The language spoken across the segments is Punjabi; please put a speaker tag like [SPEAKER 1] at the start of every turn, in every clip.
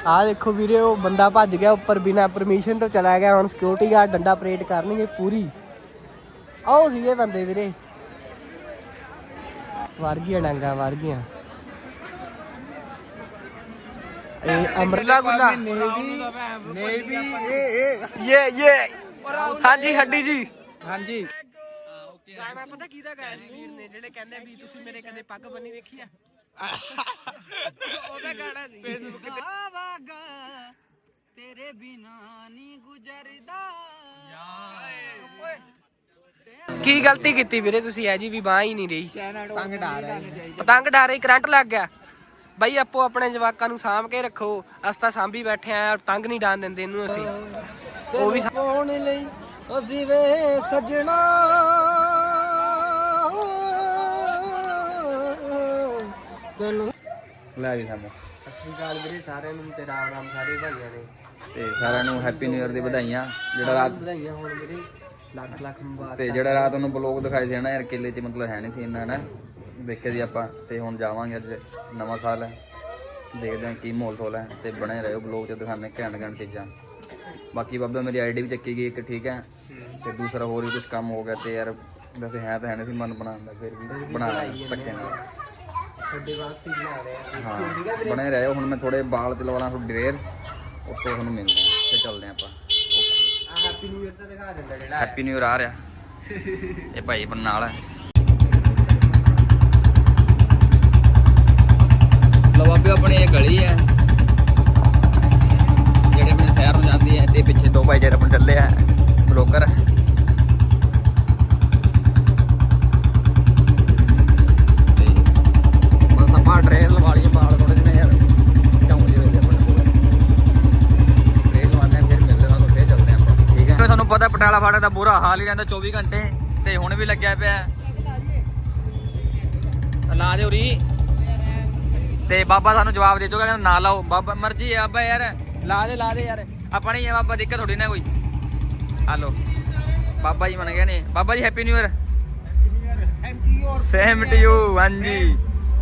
[SPEAKER 1] ਆਹ ਦੇਖੋ ਵੀਰੇ ਉਹ ਬੰਦਾ ਭੱਜ ਗਿਆ ਉੱਪਰ ਬਿਨਾ ਪਰਮਿਸ਼ਨ ਤੋਂ ਚਲਾ ਗਿਆ। ਹੁਣ ਸਿਕਿਉਰਿਟੀ ਗਾਰਡ ਡੰਡਾ ਪਰੇਡ ਕਰਨਗੇ ਪੂਰੀ। ਆਓ ਸੀਗੇ ਬੰਦੇ ਵੀਰੇ, ਵਰ ਗਈਆਂ ਡਾਂਗਾ ਵਰ ਗਈਆਂ। ਇਹ ਅਮਰਲਾ ਗੁੱਲਾ ਨੇਵੀ ਇਹ ਹਾਂਜੀ ਹੱਡੀ ਜੀ ਹਾਂਜੀ। ਗਾਣਾ ਪਤਾ ਕਿਹਦਾ ਗਾਇਆ ਸੀ ਵੀਰ ਨੇ, ਜਿਹੜੇ ਕਹਿੰਦੇ ਵੀ ਤੁਸੀਂ ਮੇਰੇ ਕਦੇ ਪੱਗ ਬੰਨੀ ਦੇਖੀ ਆ? ਉਹਦਾ ਗਾਣਾ ਸੀ ਫੇਸਬੁੱਕ ਤੇ। ਆਵਾਗਾ ਤੇਰੇ ਬਿਨਾ ਨਹੀਂ ਗੁਜ਼ਰਦਾ। ਕੀ ਗਲਤੀ ਕੀਤੀ ਵੀਰੇ ਤੁਸੀਂ? ਐ ਜੀ ਵੀ ਬਾਹ ਹੀ ਨਹੀਂ ਰਹੀ, ਪਤੰਗ ਡਾਰ ਰਹੀ, ਕਰੰਟ ਲੱਗ ਗਿਆ। ਬਾਈ ਆਪੋ ਆਪਣੇ ਜਵਾਕਾਂ ਨੂੰ ਸਾਂਭ ਕੇ ਰੱਖੋ। ਅਸੀਂ ਤਾਂ ਸਾਂਭੀ ਬੈਠੇ ਆ, ਪਤੰਗ ਨਹੀਂ ਡਾਣ ਦਿੰਦੇ ਇਹਨੂੰ ਅਸੀਂ। ਉਹ ਵੀ ਪਾਉਣ ਲਈ ਅਸੀਂ ਵੇ ਸਜਣਾ
[SPEAKER 2] ਲੈ ਵੀ ਸਾਨੂੰ
[SPEAKER 1] ਸਤਿ ਸ਼੍ਰੀ ਅਕਾਲ ਵੀਰੇ ਸਾਰਿਆਂ ਨੂੰ ਤੇ ਰਾਮ ਰਾਮ ਸਾਰੇ ਭਾਈਆਂ ਨੇ
[SPEAKER 2] ਤੇ ਸਾਰਿਆਂ ਨੂੰ ਹੈਪੀ ਨਿਊ ਇਅਰ ਦੀ ਵਧਾਈਆਂ। ਜਿਹੜਾ ਰਾਤ
[SPEAKER 1] ਵਧਾਈਆਂ ਹੋਣ ਵੀਰੇ, ਲੱਖ ਲੱਖ ਮੁਬਾਰਕ।
[SPEAKER 2] ਤੇ ਜਿਹੜਾ ਰਾਤ ਨੂੰ ਬਲੌਗ ਦਿਖਾਏ ਸੀ ਨਾ ਯਾਰ, ਕਿਲੇ 'ਚ ਮਤਲਬ ਹੈ ਨਹੀਂ ਸੀ ਇੰਨਾ ਨਾ ਦੇਖਿਆ ਜੀ ਆਪਾਂ। ਤੇ ਹੁਣ ਜਾਵਾਂਗੇ, ਅੱਜ ਨਵਾਂ ਸਾਲ ਹੈ, ਦੇਖਦੇ ਹਾਂ ਕੀ ਮਾਹੌਲ ਥੋਲ ਹੈ। ਤੇ ਬਣੇ ਰਹੋ ਬਲੌਗ 'ਚ, ਦਿਖਾਉਂਦੇ ਘੈਂਟ ਘੈਂਟ ਚੀਜ਼ਾਂ। ਬਾਕੀ ਬਾਬਾ ਮੇਰੀ ਆਈਡੀ ਵੀ ਚੱਕੀ ਗਈ ਇੱਕ, ਠੀਕ ਹੈ। ਤੇ ਦੂਸਰਾ ਹੋਰ ਵੀ ਕੁਝ ਕੰਮ ਹੋ ਗਿਆ ਤੇ ਯਾਰ ਵੈਸੇ ਹੈ ਤਾਂ ਹੈ ਨਹੀਂ ਸੀ ਮਨ ਬਣਾਉਣ ਦਾ, ਫਿਰ ਵੀ ਬਣਾ ਲਿਆ ਧੱਕੇ ਨਾਲ।
[SPEAKER 1] ਤੁਹਾਡੇ ਵਾਸਤੇ ਬਣਾ ਰਹੇ ਆ।
[SPEAKER 2] ਹਾਂ ਬਣੇ ਰਹੋ। ਹੁਣ ਮੈਂ ਥੋੜੇ ਬਾਲ ਤੇ ਲਵਾਉਣਾ ਤੁਹਾਡੀ ਡਰੇਰ, ਉਸ ਤੋਂ ਤੁਹਾਨੂੰ ਮਿਲਦੇ ਹਾਂ ਤੇ ਚੱਲਦੇ ਆਪਾਂ। ਓਕੇ,
[SPEAKER 1] ਹੈਪੀ ਨਿਊ ਇਅਰ ਤਾਂ ਦਿਖਾ ਦਿੰਦਾ ਜਿਹੜਾ
[SPEAKER 2] ਹੈਪੀ ਨਿਊ ਇਅਰ ਆ ਰਿਹਾ। ਇਹ ਭਾਈ ਬਣ ਨਾਲ ਹੈ। ਲੋ ਬਾਬੇ ਆਪਣੀ ਇਹ ਗਲੀ ਹੈ ਜਿਹੜੇ ਆਪਣੇ ਸ਼ਹਿਰ ਨੂੰ ਜਾਂਦੀ ਹੈ। ਤੇ ਪਿੱਛੇ ਦੋ ਭਾਈ ਜਿਹੜੇ ਆਪਣੇ ਚੱਲੇ ਆ ਬਲੋਕਰ। ਤੇ ਬਸ ਆਪਾਂ ਡਰੇਰ ਲਵਾ ਲਈਏ, ਬਾਲ ਥੋੜੇ ਜਿਹੇ ਯਾਰ ਝਾਉਂ ਜਿਹੇ ਹੋਏ ਆਪਣੇ ਕੋਲ। ਡਰੇਰ ਲਵਾਉਂਦੇ ਆ, ਫਿਰ ਮਿਲਦੇ ਤੁਹਾਨੂੰ, ਫਿਰ ਚੱਲਦੇ ਆਪਾਂ, ਠੀਕ ਹੈ। ਤੁਹਾਨੂੰ ਪਤਾ ਪਟਿਆਲਾ ਫਾਟਕ ਦਾ ਬੁਰਾ ਹਾਲ ਹੀ ਰਹਿੰਦਾ 24 ਘੰਟੇ। ਤੇ ਹੁਣ ਵੀ ਲੱਗਿਆ ਪਿਆ ਲਾ ਦੇ ਉਰੀ। ਤੇ ਬਾਬਾ ਸਾਨੂੰ ਜਵਾਬ ਦੇ ਚੁੱਕਾ, ਕਹਿੰਦਾ ਨਾ ਲਾਓ। ਬਾਬਾ ਮਰਜੀ ਹੈ ਬਾਬਾ ਯਾਰ, ਲਾ ਦੇ ਯਾਰ, ਆਪਾਂ ਨਹੀਂ ਹੈ ਬਾਬਾ, ਦਿੱਕਤ ਥੋੜੀ ਨਾ ਕੋਈ। ਹਲੋ ਬਾਬਾ ਜੀ ਮੰਨ ਗਏ ਨੇ। Baba ji happy new year. Same to you. ਹਾਂਜੀ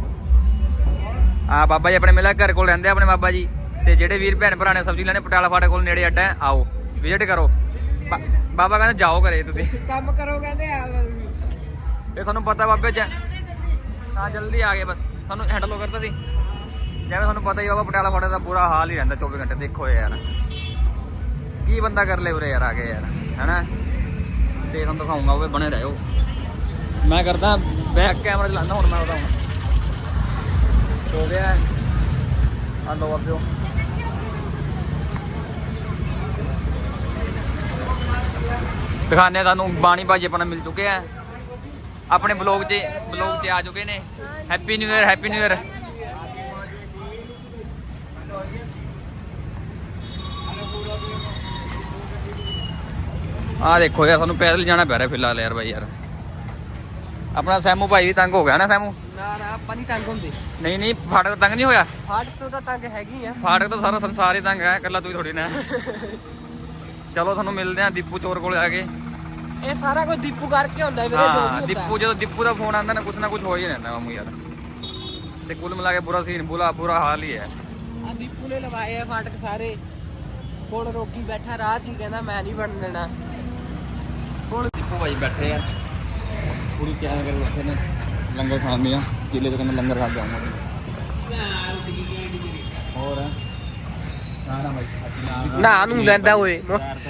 [SPEAKER 2] ਆ ਬਾਬਾ ਜੀ ਆਪਣੇ ਮਿਲਿਆ ਘਰ ਕੋਲ ਰਹਿੰਦੇ ਆਪਣੇ ਬਾਬਾ ਜੀ। ਤੇ ਜਿਹੜੇ ਵੀਰ ਭੈਣ ਭਰਾ ਨੇ ਸਬਜ਼ੀ ਲੈਣੇ ਪਟਿਆਲਾ ਫਾਟਕ ਕੋਲ ਨੇੜੇ ਅੱਡਾ ਹੈ, ਆਓ ਵਿਜ਼ਿਟ ਕਰੋ। ਬਾਬਾ ਕਹਿੰਦਾ ਜਾਓ ਘਰੇ ਤੁਸੀਂ
[SPEAKER 1] ਕੰਮ ਕਰੋ ਕਹਿੰਦੇ ਆ।
[SPEAKER 2] ਇਹ ਤੁਹਾਨੂੰ ਪਤਾ ਬਾਬੇ ਚ ਹਾਂ ਜਲਦੀ ਆ ਗਏ, ਬਸ ਤੁਹਾਨੂੰ ਹੈਂਡਲ ਕਰਤਾ ਸੀ। ਜਿਵੇਂ ਤੁਹਾਨੂੰ ਪਤਾ ਹੀ ਬਾਬਾ ਪਟਿਆਲਾ ਫਾਟਕ ਦਾ ਬੁਰਾ ਹਾਲ ਹੀ ਰਹਿੰਦਾ 24 ਘੰਟੇ। ਦੇਖੋ ਯਾਰ ਕੀ ਬੰਦਾ ਕਰ ਲੇ ਉਰੇ ਯਾਰ ਆ ਕੇ ਯਾਰ, ਹੈਨਾ। ਤੇ ਤੁਹਾਨੂੰ ਦਿਖਾਉਂਗਾ, ਉਹ ਬਣੇ ਰਹੋ। ਮੈਂ ਕਰਦਾ ਬੈਕ ਕੈਮਰਾ ਚਲਾਉਂਦਾ ਹੁਣ। ਮੈਂ ਉਹਦਾ ਹੁਣ ਹੋ ਗਿਆ। ਆ ਲੋ ਬਾਬਿਓ, ਦਿਖਾਉਂਦੇ ਤੁਹਾਨੂੰ। ਬਾਣੀ ਭਾਜੀ ਆਪਣਾ ਮਿਲ ਚੁੱਕੇ ਆ ਆਪਣੇ ਬਲੌਗ 'ਚ ਆ ਚੁੱਕੇ ਨੇ। Happy new year, happy new year. ਆ ਦੇਖੋ ਯਾਰ, ਸਾਨੂੰ ਪੈਦਲ ਜਾਣਾ ਪੈ ਰਿਹਾ ਫਿਲਹਾਲ ਯਾਰ ਬਾਈ ਯਾਰ। ਆਪਣਾ ਸੈਮੂ ਭਾਈ ਵੀ ਤੰਗ ਹੋ ਗਿਆ ਨਾ। ਸੈਮੂ
[SPEAKER 1] ਨਾ ਆਪਾਂ ਨਹੀਂ ਤੰਗ ਹੁੰਦੇ।
[SPEAKER 2] ਨਹੀਂ ਫਾਟਕ ਤੰਗ ਨਹੀਂ ਹੋਇਆ।
[SPEAKER 1] ਫਾਟਕ ਤੋਂ ਤਾਂ ਤੰਗ ਹੈਗੀ ਆ।
[SPEAKER 2] ਫਾਟਕ ਤੋਂ ਸਾਰਾ ਸੰਸਾਰ ਹੀ ਤੰਗ ਹੈ, ਇਕੱਲਾ ਤੂੰ ਹੀ ਥੋੜੀ ਨਾ। ਚਲੋ ਤੁਹਾਨੂੰ ਮਿਲਦੇ ਆ ਦੀਪੂ ਚੋਰ ਕੋਲ ਆ ਕੇ।
[SPEAKER 1] ਇਹ ਸਾਰਾ ਕੁਝ ਦੀਪੂ ਕਰਕੇ ਹੁੰਦਾ ਵੀਰੇ।
[SPEAKER 2] ਹਾਂ ਦੀਪੂ, ਜਦੋਂ ਦੀਪੂ ਦਾ ਫੋਨ ਆਉਂਦਾ ਨਾ ਕੁਛ ਹੋ ਹੀ ਰਹਿੰਦਾ ਮਾਮੂ ਯਾਰ। ਤੇ ਕੁੱਲ ਮਿਲਾ ਕੇ ਬੁਰਾ ਸੀਨ, ਬੁਰਾ ਹਾਲ ਹੀ ਹੈ।
[SPEAKER 1] ਆ ਦੀਪੂ ਨੇ ਲਵਾਏ ਆ ਫਾਟਕ ਸਾਰੇ। ਹੁਣ ਰੋਕੀ ਬੈਠਾ ਰਾਹ 'ਚ ਹੀ, ਕਹਿੰਦਾ ਮੈਂ ਨਹੀਂ ਬਣ ਦੇਣਾ।
[SPEAKER 2] ਹੁਣ ਦੀਪੂ ਭਾਈ ਬੈਠੇ ਆ ਪੂਰੀ ਤਿਆਰ ਕਰਕੇ ਬੈਠੇ ਨੇ ਲੰਗਰ ਖਾਣ ਦੀਆਂ। ਕਿਲੇ ਤੋਂ ਕਹਿੰਦਾ ਲੰਗਰ ਖਾ ਕੇ ਆਉਂਗਾ। ਹੋਰ
[SPEAKER 1] ਨਾ ਨੂੰ ਲੈਂਦਾ ਓਏ।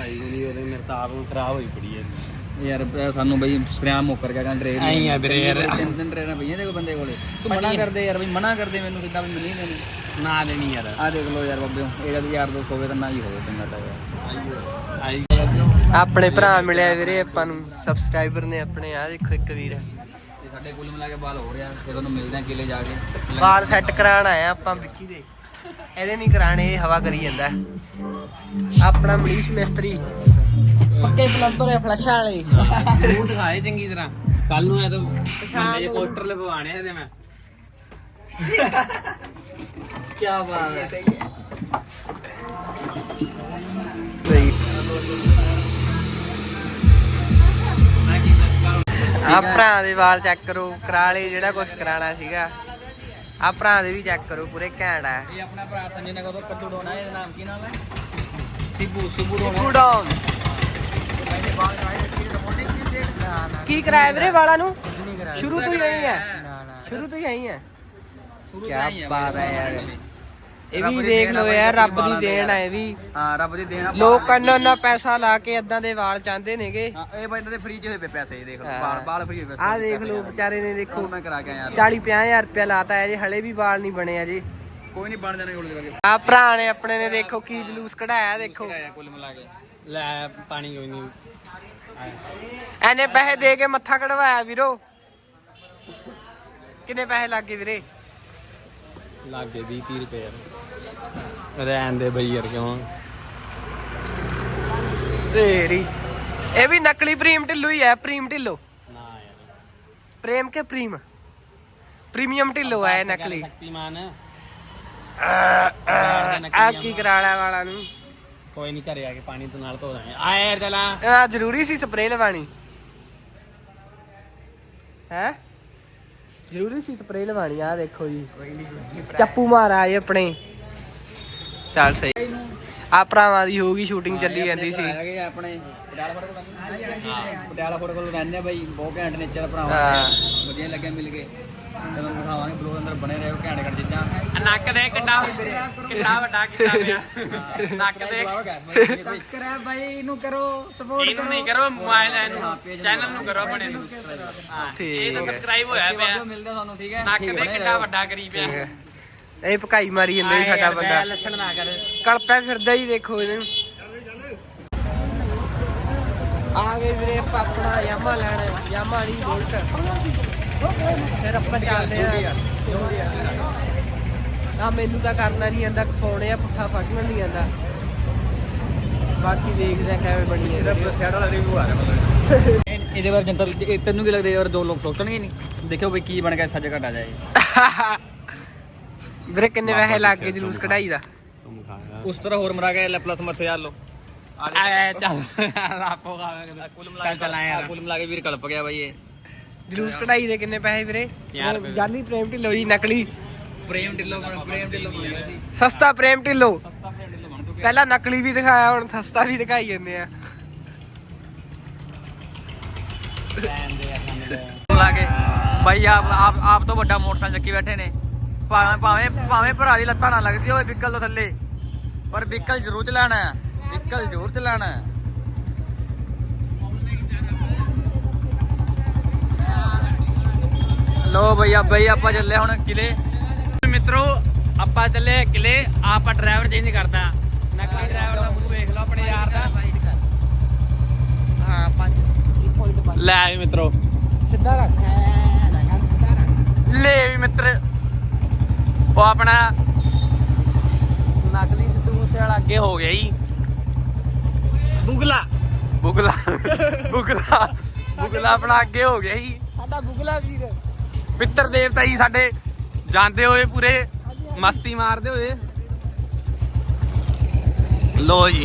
[SPEAKER 2] ਯਾਰ ਸਾਨੂੰ ਬਈ ਸਰਿਆਮ ਮੁੱਕਰ ਗਿਆ ਕਹਿੰਦਾ ਟ੍ਰੇਨ ਆਈ ਆ ਵੀਰੇ ਯਾਰ। ਤਿੰਨ ਟ੍ਰੇਨਾਂ ਪਈਆਂ ਦੇਖੋ ਬੰਦੇ ਕੋਲੇ। ਤੂੰ ਮਨਾ ਕਰਦੇ ਯਾਰ ਬਈ, ਮਨਾ ਕਰਦੇ ਮੈਨੂੰ ਸਿੱਧਾ ਵੀ ਨਹੀਂ ਦੇਣੀ ਨਾ ਦੇਣੀ ਯਾਰ। ਆ ਦੇਖ ਲਓ ਯਾਰ ਬਾਬਿਓ, ਇਹਦਾ ਵੀ ਯਾਰ ਦੋਸਤ ਹੋਵੇ ਤਾਂ ਨਾ ਹੀ ਹੋਵੇ ਚੰਗਾ ਤਾਂ ਯਾਰ।
[SPEAKER 1] ਆਪਣੇ ਭਰਾ ਮਿਲਿਆ ਵੀਰੇ ਆਪਾਂ ਨੂੰ, ਸਬਸਕ੍ਰਾਈਬਰ ਨੇ ਆਪਣੇ। ਆ ਦੇਖੋ ਇੱਕ ਵੀਰ
[SPEAKER 2] ਤੇ ਸਾਡੇ ਕੁੱਲ ਮਿਲਾ ਕੇ ਬਾਲ ਹੋ ਰਿਹਾ। ਤੇ ਤੁਹਾਨੂੰ ਮਿਲਦੇ ਆ ਕਿਲੇ ਜਾ ਕੇ।
[SPEAKER 1] ਵਾਲ ਸੈੱਟ ਕਰਾਉਣ ਆਏ ਆਪਾਂ ਵਿੱਕੀ ਦੇ। ਇਹਦੇ ਨਹੀਂ ਕਰਾਣੇ, ਇਹ ਹਵਾ ਕਰੀ ਜਾਂਦਾ। ਆਪਣਾ ਮਨੀਸ਼ ਮਿਸਤਰੀ ਪੱਕੇ ਪਲੰਬਰ ਹੈ, ਫਲਸ਼ਾਂ ਵਾਲੇ।
[SPEAKER 3] ਮੂੰਹ ਦਿਖਾਏ ਚੰਗੀ ਤਰ੍ਹਾਂ। ਕੱਲ ਨੂੰ ਇਹ ਤਾਂ ਬੰਦੇ ਪੋਸਟਰ ਲਗਵਾਣੇ ਇਹਦੇ ਮੈਂ।
[SPEAKER 1] ਕੀ ਬਾਤ ਹੈ। ਸਹੀ ਹੈ। ਆ ਭਰਾ ਦੇ ਵਾਲ ਚੈੱਕ ਕਰੋ, ਕਰਾ ਲਏ ਜਿਹੜਾ ਕੁਝ ਕਰਾਣਾ ਸੀਗਾ। ਆ ਭਰਾ ਦੇ ਵੀ ਚੈੱਕ ਕਰੋ ਪੂਰੇ ਘੈਂਟ ਆ।
[SPEAKER 2] ਇਹ ਆਪਣਾ ਭਰਾ ਸੰਜੇ ਨਗਰ ਤੋਂ ਕੱਦੂ ਡੋਣਾ, ਇਹਦਾ ਨਾਮ ਕੀ ਨਾਮ ਹੈ? ਸਿੱਬੂ
[SPEAKER 1] ਸਿੱਬੂ ਡੌਨ। ਕੀ ਕਰਾਇਆ ਵੀਰੇ ਵਾਲਾਂ ਨੂੰ? ਸ਼ੁਰੂ ਤੋਂ ਹੀ ਨਹੀਂ ਹੈ, ਸ਼ੁਰੂ ਤੋਂ ਹੀ ਆਈ ਹੈ। ਕੀ ਬਾਤ ਹੈ ਯਾਰ, ਇਹ ਵੀ ਦੇਖ ਲਓ ਯਾਰ, ਰੱਬ ਦੀ ਦੇਣ ਹੈ ਇਹ ਵੀ।
[SPEAKER 2] ਹਾਂ ਰੱਬ ਦੀ ਦੇਣ ਆ।
[SPEAKER 1] ਲੋਕ ਇੰਨਾ ਪੈਸਾ ਲਾ ਕੇ ਏਦਾਂ ਦੇ ਵਾਲ ਚਾਹੁੰਦੇ ਨੇਗੇ।
[SPEAKER 2] ਹਾਂ ਇਹ ਬੰਦੇ ਦੇ ਫ੍ਰੀ ਚ ਹੋਏ ਪਏ ਪੈਸੇ, ਇਹ ਦੇਖ ਲਓ ਵਾਲ ਫ੍ਰੀ ਹੋਏ ਪੈਸੇ।
[SPEAKER 1] ਆਹ ਦੇਖ ਲਓ ਵਿਚਾਰੇ ਨੇ, ਦੇਖੋ
[SPEAKER 2] ਮੈਂ ਕਰਾ ਕੇ ਆਇਆ
[SPEAKER 1] 40-50 ਰੁਪਇਆ ਲਾਤਾ ਹੈ ਜੀ, ਹਲੇ ਵੀ ਵਾਲ ਨਹੀਂ ਬਣੇ ਅਜੇ।
[SPEAKER 2] ਕੋਈ ਨਹੀਂ ਬਣ ਜਾਣੇ ਕੋਲ ਕਰਕੇ।
[SPEAKER 1] ਆ ਭਰਾ ਨੇ ਆਪਣੇ ਨੇ ਦੇਖੋ ਕੀ ਜਲੂਸ ਕਢਾਇਆ, ਦੇਖੋ
[SPEAKER 2] ਕੁੱਲ ਮਿਲਾ ਕੇ।
[SPEAKER 3] ਲੈ ਪਾਣੀ ਕੋਈ ਨਹੀਂ
[SPEAKER 1] ਐਨੇ ਪੈਸੇ ਦੇ ਕੇ ਮੱਥਾ ਕਢਵਾਇਆ ਵੀਰੋ। ਕਿੰਨੇ ਪੈਸੇ ਲੱਗ ਗਏ ਵੀਰੇ?
[SPEAKER 3] ਲੱਗੇ 20-30 ਰੁਪਏ ਯਾਰ, ਰਹਿਣ ਦੇ ਬਈ ਯਾਰ, ਕਿਉਂ
[SPEAKER 1] ਤੇਰੀ ਇਹ ਵੀ ਨਕਲੀ ਪ੍ਰੀਮ ਢਿੱਲੋ ਹੀ ਹੈ। ਪ੍ਰੀਮ ਢਿੱਲੋ
[SPEAKER 3] ਨਾ ਯਾਰ,
[SPEAKER 1] ਪ੍ਰੇਮ ਕੇ ਪ੍ਰੀਮੀਅਮ ਢਿੱਲੋ ਹੈ ਨਕਲੀ।
[SPEAKER 3] ਸ਼ਕਤੀਮਾਨ
[SPEAKER 1] ਆ ਕੀ ਕਰਾ ਲਿਆ ਵਾਲਾਂ ਨੂੰ?
[SPEAKER 3] ਕੋਈ ਨਹੀਂ, ਘਰੇ ਆ ਕੇ ਪਾਣੀ ਤੋਂ ਨਾਲ ਧੋ ਦਾਂਗੇ। ਆ ਯਾਰ ਚਲਾ,
[SPEAKER 1] ਆ ਜ਼ਰੂਰੀ ਸੀ ਸਪਰੇਅ ਲਵਾਣੀ ਹੈ, ਜ਼ਰੂਰੀ ਸੀ ਸਪਰੇਅ ਲਵਾਣੀ। ਆ ਦੇਖੋ ਜੀ ਚੱਪੂ ਮਾਰਾ ਇਹ ਆਪਣੇ। ਚੱਲ ਸਹੀ, ਆ ਭਰਾਵਾਂ ਦੀ ਹੋ ਗਈ ਸ਼ੂਟਿੰਗ ਚੱਲੀ ਜਾਂਦੀ ਸੀ।
[SPEAKER 2] ਹੈਗੇ ਆਪਣੇ ਪਟਿਆਲਾ ਫੋਟੋ ਕੋਲ ਰਹਿੰਦੇ ਆ ਬਾਈ, ਬਹੁਤ ਘੈਂਟ ਨੇਚਰ ਭਰਾਵਾ,
[SPEAKER 1] ਹਾਂ।
[SPEAKER 2] ਵਧੀਆ ਲੱਗਿਆ ਮਿਲ ਕੇ। ਜਦੋਂ ਦਿਖਾਵਾਂਗੇ ਬਲੌਗ ਅੰਦਰ ਬਣੇ ਰਹੋ, ਘੈਂਟ ਚੀਜ਼ਾਂ।
[SPEAKER 3] ਨੱਕ ਦੇ ਕਿੱਡਾ ਵੱਡਾ ਕੀਤਾ ਪਿਆ, ਨੱਕ ਦੇ।
[SPEAKER 2] ਸਬਸਕ੍ਰਾਈਬ ਬਾਈ ਇਹਨੂੰ ਕਰੋ, ਸਪੋਰਟ
[SPEAKER 3] ਇਹਨੂੰ ਨਹੀਂ ਕਰੋ, ਮੋਬਾਈਲ ਚੈਨਲ ਨੂੰ ਕਰੋ ਆਪਣੇ ਨੂੰ। ਹਾਂ
[SPEAKER 1] ਠੀਕ
[SPEAKER 3] ਇਹ ਤਾਂ
[SPEAKER 1] ਹੈ।
[SPEAKER 3] ਸਬਸਕ੍ਰਾਈਬ ਹੋਇਆ ਪਿਆ,
[SPEAKER 2] ਮਿਲਦਾ ਤੁਹਾਨੂੰ, ਠੀਕ ਹੈ।
[SPEAKER 3] ਨੱਕ ਦੇ ਕਿੱਡਾ ਵੱਡਾ ਕਰੀ ਪਿਆ।
[SPEAKER 1] ਇਹ ਭਕਾਈ ਮਾਰੀ ਜਾਂਦਾ ਜੀ ਸਾਡਾ ਬੰਦਾ,
[SPEAKER 3] ਲੱਛਣ ਨਾ ਕਰ।
[SPEAKER 1] ਕਲਪਿਆ ਫਿਰਦਾ ਹੀ, ਦੇਖੋ ਇਹਨੂੰ। ਆ ਗਏ ਵੀਰੇ ਆਪਾਂ ਆਪਣਾ ਯਾਮਾ ਲੈਣਾ, ਯਾਮਾ ਨਹੀਂ ਬੁਲਟ। ਫਿਰ ਆਪਾਂ ਚੱਲਦੇ ਆ। ਆ ਮੈਨੂੰ ਤਾਂ ਕਰਨਾ ਨਹੀਂ ਆਂਦਾ, ਪਾਉਣੇ ਆ ਪੁੱਠਾ ਫੜਨਾ ਨਹੀਂ ਆਂਦਾ। ਬਾਕੀ ਵੇਖਦੇ ਆ ਕਿਵੇਂ ਬਣੀ ਹੈ।
[SPEAKER 2] ਸਿਰਫ ਸੈਡ ਵਾਲਾ ਰਿਵਿਊ ਆ ਰਿਹਾ ਮਤਲਬ। ਇਹਦੇ ਬਾਰੇ ਜਨਤਾ ਤੈਨੂੰ ਕੀ ਲੱਗਦਾ ਯਾਰ, ਦੋ ਲੋਕ ਸੋਚਣਗੇ ਨਹੀਂ? ਦੇਖਿਓ ਬਈ ਕੀ ਬਣ ਗਿਆ, ਸੱਜ ਘਟ ਆ ਜਾਏ।
[SPEAKER 1] ਵੀਰੇ ਕਿੰਨੇ ਪੈਸੇ ਲੱਗ ਗਏ ਜਲੂਸ ਕਢਾਈ ਦਾ?
[SPEAKER 2] ਉਸ ਤਰ੍ਹਾਂ ਹੋਰ ਮਰਾ ਗਿਆ, ਪਲੱਸ ਮੱਥੇ ਯਾਰ ਲੋ।
[SPEAKER 3] ਆ ਚੱਲ ਲਾਪੋ ਖਾਵੇ
[SPEAKER 2] ਕੁੱਲ ਮਿਲਾ ਕੇ ਵੀਰ ਕਲਪ ਗਿਆ ਬਾਈ ਇਹ।
[SPEAKER 1] ਜਲੂਸ ਕਢਾਈ ਦੇ ਕਿੰਨੇ ਪੈਸੇ ਵੀਰੇ?
[SPEAKER 3] 50 ਰੁਪਏ।
[SPEAKER 1] ਜਾਲੀ ਪ੍ਰੇਮ ਢਿੱਲੋ ਜੀ, ਨਕਲੀ
[SPEAKER 2] ਪ੍ਰੇਮ ਢਿੱਲੋਂ ਬਣ ਗਿਆ ਸੀ।
[SPEAKER 1] ਸਸਤਾ ਪ੍ਰੇਮ ਢਿੱਲੋ।
[SPEAKER 2] ਸਸਤਾ ਪ੍ਰੇਮ ਢਿੱਲੋਂ ਬਣ ਚੁੱਕਿਆ।
[SPEAKER 1] ਪਹਿਲਾਂ ਨਕਲੀ ਵੀ ਦਿਖਾਇਆ, ਹੁਣ ਸਸਤਾ ਵੀ ਦਿਖਾਈ ਜਾਂਦੇ ਆ।
[SPEAKER 2] ਲਾ ਕੇ ਬਾਈ ਆਪ ਤੋਂ ਵੱਡਾ ਮੋਟਰਸਾਈਕਲ ਚੱਕੀ ਬੈਠੇ ਨੇ। ਭਾਵੇਂ ਭਰਾ ਦੀ ਲੱਤਾਂ ਨਾ ਲੱਗਦੀ ਹੋਵੇ ਵਿਕਲ ਤੋਂ ਥੱਲੇ, ਪਰ ਵਿਕਲ ਜ਼ਰੂਰ ਚਲਾਣਾ ਹੈ, ਵਿਕਲ ਜ਼ਰੂਰ ਚਲਾਣਾ ਹੈ। ਲੋ ਬਈ ਆਪਾਂ ਚੱਲੇ ਹੁਣ ਕਿਲੇ।
[SPEAKER 3] ਮਿੱਤਰੋ ਆਪਾਂ ਚੱਲੇ ਕਿਲੇ। ਆਪਾਂ ਡਰਾਈਵਰ ਚੇਂਜ ਕਰਦਾ, ਨਕਲੀ ਡਰਾਈਵਰ ਦਾ ਮੂੰਹ ਵੇਖ ਲਓ ਆਪਣੇ ਯਾਰ ਦਾ।
[SPEAKER 1] ਹਾਂ 5
[SPEAKER 3] ਲੈ ਵੀ ਮਿੱਤਰੋ,
[SPEAKER 1] ਸਿੱਧਾ ਰੱਖ,
[SPEAKER 3] ਲੈ ਵੀ ਮਿੱਤਰ, ਉਹ ਆਪਣਾ ਨਕਲੀ ਸਿੱਧੂ ਮੂਸੇ ਵਾਲਾ ਅੱਗੇ ਹੋ ਗਿਆ ਜੀ।
[SPEAKER 1] ਬੁਗਲਾ
[SPEAKER 3] ਆਪਣਾ ਅੱਗੇ ਹੋ ਗਿਆ ਜੀ।
[SPEAKER 1] ਸਾਡਾ ਬੁਗਲਾ ਵੀਰ।
[SPEAKER 3] ਪਿੱਤਰ ਦੇਵਤਾ ਜੀ ਸਾਡੇ ਜਾਂਦੇ ਹੋਏ ਪੂਰੇ ਮਸਤੀ ਮਾਰਦੇ ਹੋਏ। ਲੋ ਜੀ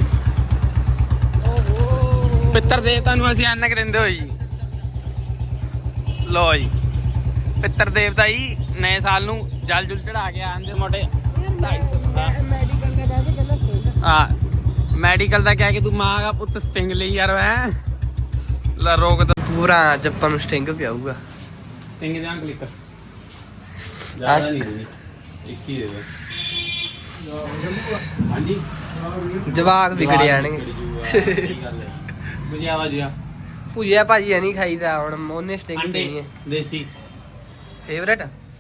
[SPEAKER 3] ਪਿੱਤਰ ਦੇਵਤਾ ਨੂੰ ਅਸੀਂ ਐਨਕ ਦਿੰਦੇ ਹੋਏ ਜੀ। ਲੋ ਜੀ ਪਿੱਤਰ ਦੇਵਤਾ ਜੀ ਨਵੇਂ ਸਾਲ ਨੂੰ ਜਲ ਜੁਲ ਚੜਾ ਕੇ ਆਂਦੇ ਮੋਟੇ
[SPEAKER 1] 250 ਦਾ ਕਹਿੰਦੇ ਪਹਿਲਾਂ ਸਟੇਜ।
[SPEAKER 3] ਹਾਂ ਮੈਡੀਕਲ ਦਾ ਕਹਿ ਕੇ ਤੂੰ ਮਾਂ ਦਾ ਪੁੱਤ ਸਟਿੰਗ ਲਈ ਯਾਰ ਮੈਂ ਲਾ ਰੋਕ ਦੋ।
[SPEAKER 1] ਪੂਰਾ ਅੱਜ ਆਪਾਂ ਨੂੰ ਸਟਿੰਗ ਪਿਆਊਗਾ।
[SPEAKER 3] ਸਟਿੰਗ ਜਾਂ ਕਲਿੱਕ ਜ਼ਿਆਦਾ ਨਹੀਂ ਦੇਣੀ, ਇੱਕ ਹੀ ਦੇ ਦੇ। ਹਾਂਜੀ
[SPEAKER 1] ਜਵਾਕ ਵਿਗੜ ਜਾਣਗੇ।
[SPEAKER 3] ਵਧੀਆ ਵਧੀਆ
[SPEAKER 1] ਭੁਜਿਆ ਭਾਜੀ ਨਹੀਂ ਖਾਈਦਾ, ਹੁਣ ਉਹਨੇ ਸਟਿੰਗ
[SPEAKER 3] ਅੰਡੇ
[SPEAKER 1] ਪੀਣੀ ਹੈ।
[SPEAKER 3] ਦੇਸੀ
[SPEAKER 1] ਫੇਵਰੇਟ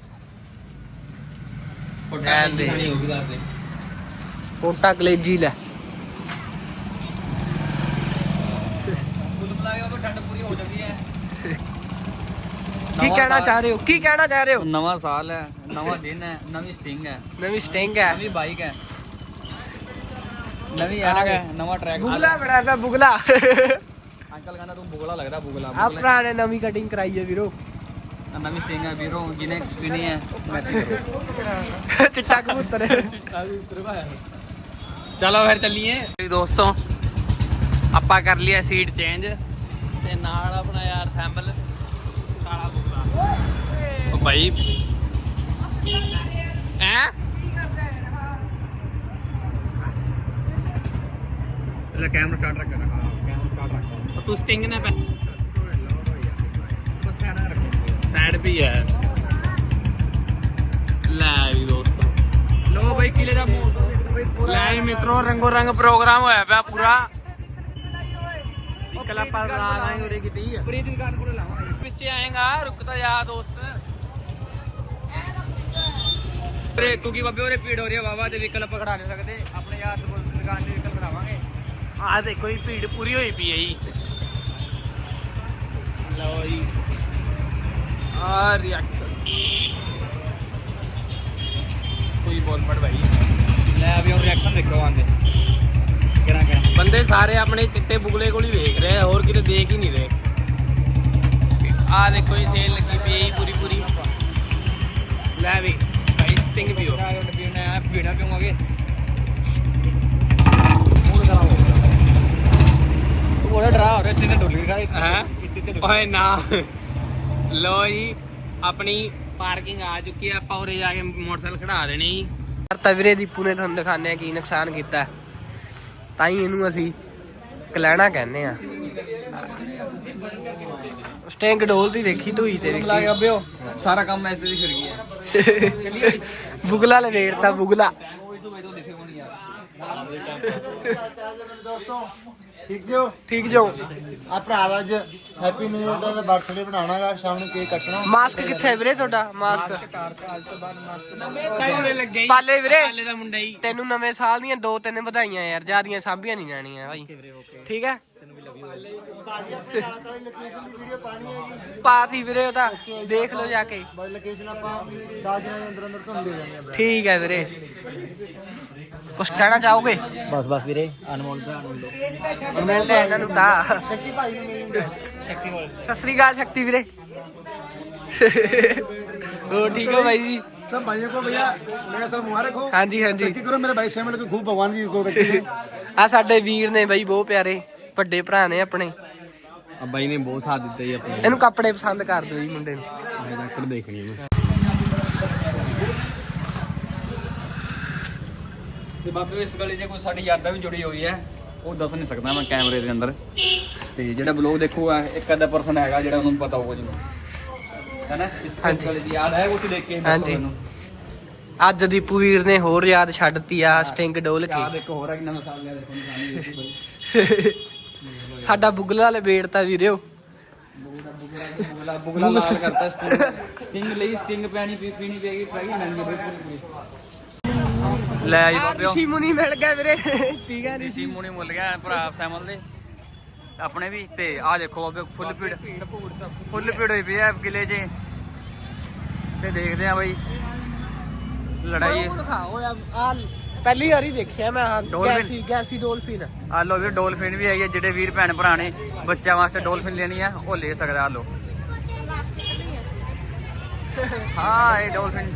[SPEAKER 3] ਪੋਟਾ ਦੀ ਖਾਣੀ ਹੋਊਗੀ ਦੱਸ ਦੇ।
[SPEAKER 1] ਕੋਟਾ ਕਲੇਜੀ ਲੈ।
[SPEAKER 2] ਠੰਡ ਪੂਰੀ ਹੋ ਚੁੱਕੀ ਹੈ।
[SPEAKER 1] ਕੀ ਕਹਿਣਾ ਚਾਹ ਰਹੇ ਹੋ?
[SPEAKER 2] ਨਵਾਂ ਸਾਲ ਹੈ, ਨਵਾਂ ਦਿਨ ਹੈ, ਨਵੀਂ ਸਟਿੰਗ ਹੈ,
[SPEAKER 1] ਨਵੀਂ ਸਟਿੰਗ ਹੈ,
[SPEAKER 2] ਨਵੀਂ ਬਾਈਕ ਹੈ, ਨਵੀਂ ਐਨਕ ਹੈ, ਨਵਾਂ ਟਰੈਕ।
[SPEAKER 1] ਬੁਗਲਾ ਬੜਾ ਪਿਆ ਬੁਗਲਾ।
[SPEAKER 2] ਅੰਕਲ ਕਹਿੰਦਾ ਤੂੰ ਬੁਗਲਾ ਲੱਗਦਾ, ਬੁਗਲਾ
[SPEAKER 1] ਆ ਭਰਾ ਨੇ ਨਵੀਂ ਕਟਿੰਗ ਕਰਾਈ ਹੈ ਵੀਰੋ।
[SPEAKER 2] ਨਵੀਂ ਸਟਿੰਗ ਹੈ ਵੀਰੋ, ਜਿਹਨੇ ਪੀਣੀ ਹੈ ਮੈਸੇਜ ਕਰੋ।
[SPEAKER 1] ਚਿੱਟਾ ਕਬੂਤਰ।
[SPEAKER 3] ਚਲੋ ਫਿਰ ਚੱਲੀਏ ਦੋਸਤੋ। ਆਪਾਂ ਕਰ ਲਿਆ ਸੀਟ ਚੇਂਜ ਤੇ ਨਾਲ ਆਪਣਾ ਯਾਰ ਸੈਂਬਲ ਕਾਲਾ ਬੁਗਲਾ। ਉਹ ਭਾਈ ਹੈ
[SPEAKER 2] ਲੈ ਕੈਮਰਾ ਸਟਾਰਟ ਰੱਖ ਹਾਂ ਕੈਮਰਾ ਸਟਾਰਟ ਰੱਖ
[SPEAKER 3] ਤੂੰ ਸਟਿੰਗ ਨਾ ਪੈ ਸਾਈਡ ਵੀ ਹੈ ਲੈ ਵੀ ਦੋਸਤੋ
[SPEAKER 2] ਲੋ ਬਾਈ ਕਿਲੇ ਦਾ ਮੋਹ
[SPEAKER 3] ਲੈ ਵੀ ਮਿੱਤਰੋ ਰੰਗੋ ਰੰਗ ਪ੍ਰੋਗਰਾਮ ਹੋਇਆ ਪਿਆ ਪੂਰਾ ਇਕਲਾ ਪਰ ਲਾਵਾਂਗੇ ਉਰੇ ਕਿਤੇ
[SPEAKER 2] ਪ੍ਰੀਤ ਦੀ ਦੁਕਾਨ ਕੋਲ ਲਾਵਾਂਗੇ
[SPEAKER 3] ਪਿੱਛੇ ਆਏਗਾ ਰੁਕਦਾ ਜਾ ਦੋਸਤ
[SPEAKER 2] ਉਰੇ ਕਿਉਂਕਿ ਬਾਬੇ ਉਰੇ ਭੀੜ ਹੋ ਰਹੀ ਹੈ ਵਾਵਾ ਤੇ ਵਹੀਕਲ ਆਪਾਂ ਖੜਾ ਨਹੀਂ ਸਕਦੇ ਆਪਣੇ ਯਾਰ ਕੋਲ ਦੁਕਾਨ ਤੇ ਵਹੀਕਲ ਖੜਾਵਾਂਗੇ
[SPEAKER 3] ਆ ਦੇਖੋ ਜੀ ਭੀੜ ਪੂਰੀ ਹੋਈ ਪਈ ਹੈ ਜੀ ਲਓ ਜੀ ਆ ਰਿਐਕਸ਼ਨ ਕੋਈ ਬੋਲ ਮੜ ਭਾਈ
[SPEAKER 2] ਲੈ ਵੀ ਉਹ ਰਿਐਕਸ਼ਨ ਦੇਖੋ ਆਂਦੇ ਕਿਹੜਾ
[SPEAKER 3] ਬੰਦੇ ਸਾਰੇ ਆਪਣੇ ਚਿੱਟੇ ਬੁਗਲੇ ਕੋਲ ਹੀ ਵੇਖ ਰਹੇ ਆ ਹੋਰ ਕਿਤੇ ਦੇਖ ਹੀ ਨਹੀਂ ਰਹੇ ਆ ਦੇਖੋ ਜੀ ਸੇਲ ਲੱਗੀ ਪਈ ਹੈ ਪੂਰੀ ਪੂਰੀ ਲੈ ਵੀ ਭਾਈ ਸਟਿੰਗ ਵੀ ਹੋ
[SPEAKER 2] ਪੀਣਾ ਪੀਵਾਂਗੇ ਉਹਦਾ ਡਰਾ ਹੋ ਰਿਹਾ ਇੱਥੇ ਤੇ ਡੋਲੀ ਖਾ
[SPEAKER 3] ਹੈ ਓਏ ਨਾ ਲੋ ਜੀ ਆਪਣੀ ਪਾਰਕਿੰਗ ਆ ਚੁੱਕੀ ਆ ਆਪਾਂ ਉਰੇ ਜਾ ਕੇ ਮੋਟਰਸਾਈਕਲ ਖੜਾ ਦੇਣੇ ਜੀ
[SPEAKER 1] ਤਾਂ ਵੀਰੇ ਦੀਪੂ ਨੇ ਤੁਹਾਨੂੰ ਦਿਖਾਉਂਦੇ ਆ ਕੀ ਨੁਕਸਾਨ ਕੀਤਾ ਹੈ। ਤਾਂ ਹੀ ਇਹਨੂੰ ਅਸੀਂ ਕਲੈਣਾ ਕਹਿੰਦੇ ਆ। ਸਟਿੰਗ ਡੋਲਦੀ ਦੇਖੀ ਢੋਈ ਤੇ
[SPEAKER 2] ਲਾ ਕੇ ਅੱਬਿਓ ਸਾਰਾ ਕੰਮ ਐਸੇ ਦੀ ਫਿਰ ਗਿਆ
[SPEAKER 1] ਬੁਗਲਾ ਲਵੇੜਤਾ ਬੁਗਲਾ।
[SPEAKER 4] ਠੀਕ ਜੋ
[SPEAKER 1] ਠੀਕ ਜੋ
[SPEAKER 4] ਆ ਭਰਾ ਦਾ ਅੱਜ ਹੈਪੀ ਨਿਊ ਇਅਰ ਦਾ ਬਰਥਡੇ ਬਣਾਉਣਾਗਾ ਸ਼ਾਮ ਨੂੰ ਕੇਕ ਕੱਟਣਾ
[SPEAKER 1] ਮਾਸਕ ਕਿੱਥੇ ਵੀਰੇ ਤੁਹਾਡਾ ਮਾਸਕ
[SPEAKER 3] ਸਾਰੇ ਲੱਗੇ ਜੀ
[SPEAKER 1] ਪਾਲੇ ਵੀਰੇ
[SPEAKER 3] ਪਾਲੇ ਦਾ ਮੁੰਡਾ ਜੀ
[SPEAKER 1] ਤੈਨੂੰ ਨਵੇਂ ਸਾਲ ਦੀਆਂ 2-3 ਵਧਾਈਆਂ ਯਾਰ ਜਿਆਦੀਆਂ ਸਾਂਭੀਆਂ ਨਹੀਂ ਜਾਣੀਆਂ ਭਾਈ ਠੀਕ ਹੈ
[SPEAKER 4] ਭਾਜੀ ਆਪਣੇ ਨਾਲ ਤਾਂ ਲੋਕੇਸ਼ਨ ਦੀ ਵੀਡੀਓ ਪਾਣੀ ਹੈਗੀ
[SPEAKER 1] ਪਾਤੀ ਵੀਰੇ ਉਹ ਤਾਂ ਦੇਖ ਲਓ ਜਾ ਕੇ
[SPEAKER 4] ਬਾਈ ਲੋਕੇਸ਼ਨ ਆਪਾਂ 10 ਦਿਨਾਂ ਦੇ ਅੰਦਰ ਅੰਦਰ ਤੁਹਾਨੂੰ ਦੇ ਦਿੰਦੇ ਆ
[SPEAKER 1] ਠੀਕ ਹੈ ਵੀਰੇ ਕੁਛ ਕਹਿਣਾ ਚਾਹੋਗੇ
[SPEAKER 4] ਬਸ ਵੀਰੇ ਅਨਮੋਲ ਭਰਾ ਨੂੰ ਲੋ
[SPEAKER 1] ਮਿਲਦੇ ਆ ਇਹਨਾਂ ਨੂੰ ਤਾਂ
[SPEAKER 4] ਸ਼ਕਤੀ ਭਾਈ ਨੂੰ ਮਿਲਦੇ ਸ਼ਕਤੀ ਕੋਲ
[SPEAKER 1] ਸਤਿ ਸ੍ਰੀ ਅਕਾਲ ਸ਼ਕਤੀ ਵੀਰੇ ਹੋ ਠੀਕ ਹੋ ਭਾਈ ਜੀ
[SPEAKER 4] सब भाइयों को भैया नया साल मुबारक हो
[SPEAKER 1] ਹਾਂਜੀ ਹਾਂਜੀ
[SPEAKER 4] तरक्की करो मेरे भाई शामिल को खूब भगवान जी को रखे
[SPEAKER 1] ਆ ਸਾਡੇ ਵੀਰ ਨੇ ਬਾਈ ਬਹੁਤ ਪਿਆਰੇ ਵੱਡੇ ਭਰਾ ਨੇ ਆਪਣੇ
[SPEAKER 3] ਆ ਬਾਈ ਨੇ ਬਹੁਤ ਸਾਥ ਦਿੱਤਾ ਜੀ ਆਪਣੇ
[SPEAKER 1] ਇਹਨੂੰ ਕੱਪੜੇ ਪਸੰਦ ਕਰ ਦਿਓ ਜੀ ਮੁੰਡੇ ਨੂੰ
[SPEAKER 3] ਆਹ ਜੈਕਟ ਦੇਖਣੀ ਮੈਂ
[SPEAKER 2] ਤੇ ਬਾਬੇ ਇਸ ਗਲੀ 'ਚ ਕੋਈ ਸਾਡੀ ਯਾਦਾਂ ਵੀ ਜੁੜੀ ਹੋਈ ਹੈ ਉਹ ਦੱਸ ਨਹੀਂ ਸਕਦਾ ਮੈਂ ਕੈਮਰੇ ਦੇ ਅੰਦਰ ਤੇ ਜਿਹੜਾ ਬਲੌਗ ਦੇਖੂਗਾ ਇੱਕ ਅੱਧਾ ਪਰਸਨ ਹੈਗਾ ਜਿਹੜਾ ਉਹਨੂੰ ਪਤਾ ਹੋਊਗਾ ਜੀ ਹੈਨਾ ਇਸ ਗਲੀ ਦੀ ਯਾਦ ਹੈ ਉਹ ਦੇਖ ਕੇ ਦੱਸੋ
[SPEAKER 1] ਹਾਂਜੀ।
[SPEAKER 2] ਮੈਨੂੰ
[SPEAKER 1] ਅੱਜ ਦੀਪੂ ਵੀਰ ਨੇ ਹੋਰ ਯਾਦ ਛੱਡਤੀ ਆ ਸਟਿੰਗ ਡੋਲ ਕੇ
[SPEAKER 2] ਯਾਦ ਇੱਕ ਹੋਰ ਹੈ ਕਿ ਨਵਾਂ ਸਾਲ ਲਿਆ ਦੇਖੋ ਨਿਸ਼ਾਨੀ
[SPEAKER 1] ਸਾਡਾ ਬੁਗਲਾ ਲਬੇੜਤਾ ਵੀਰਿਓ
[SPEAKER 2] ਬੁਗਲਾ ਲਾਲ ਕਰਤਾ ਸਟਿੰਗ ਲਈ ਸਟਿੰਗ ਪੀਣੀ ਪਏਗੀ ਟਰਾਈ ਲੈਣੀ ਬਿਲਕੁਲ ਲੈ ਜੀ ਬਾਬਿਓ
[SPEAKER 1] ਰਿਸ਼ੀ ਮੁਨੀ ਮਿਲ ਗਿਆ ਵੀਰੇ ਠੀਕ ਹੈ
[SPEAKER 2] ਰਿਸ਼ੀ ਮੁਨੀ ਮੁੱਲ ਗਿਆ ਭਰਾ ਸੈਮਲ ਦੇ ਆਪਣੇ ਵੀ ਤੇ ਆਹ ਦੇਖੋ ਬਾਬੇ ਫੁੱਲ ਭੀੜ ਹੋਈ ਪਈ ਹੈ ਕਿਲੇ 'ਚ ਤੇ ਦੇਖਦੇ ਆ ਬਈ ਲੜਾਈ
[SPEAKER 1] ਆ ਪਹਿਲੀ ਵਾਰੀ ਦੇਖਿਆ ਮੈਂ
[SPEAKER 2] ਡੋਲਫਿਨ।
[SPEAKER 1] ਗੈਸੀ ਡੋਲਫਿਨ
[SPEAKER 2] ਆ ਲੋ ਵੀ ਡੋਲਫਿਨ ਵੀ ਹੈਗੀ ਹੈ ਜਿਹੜੇ ਵੀਰ ਭੈਣ ਭਰਾ ਨੇ ਬੱਚਿਆਂ ਵਾਸਤੇ ਡੋਲਫਿਨ ਲੈਣੀ ਆ ਉਹ ਲੈ ਸਕਦਾ ਆ ਲੋ ਹਾਂ ਇਹ ਡੋਲਫਿਨ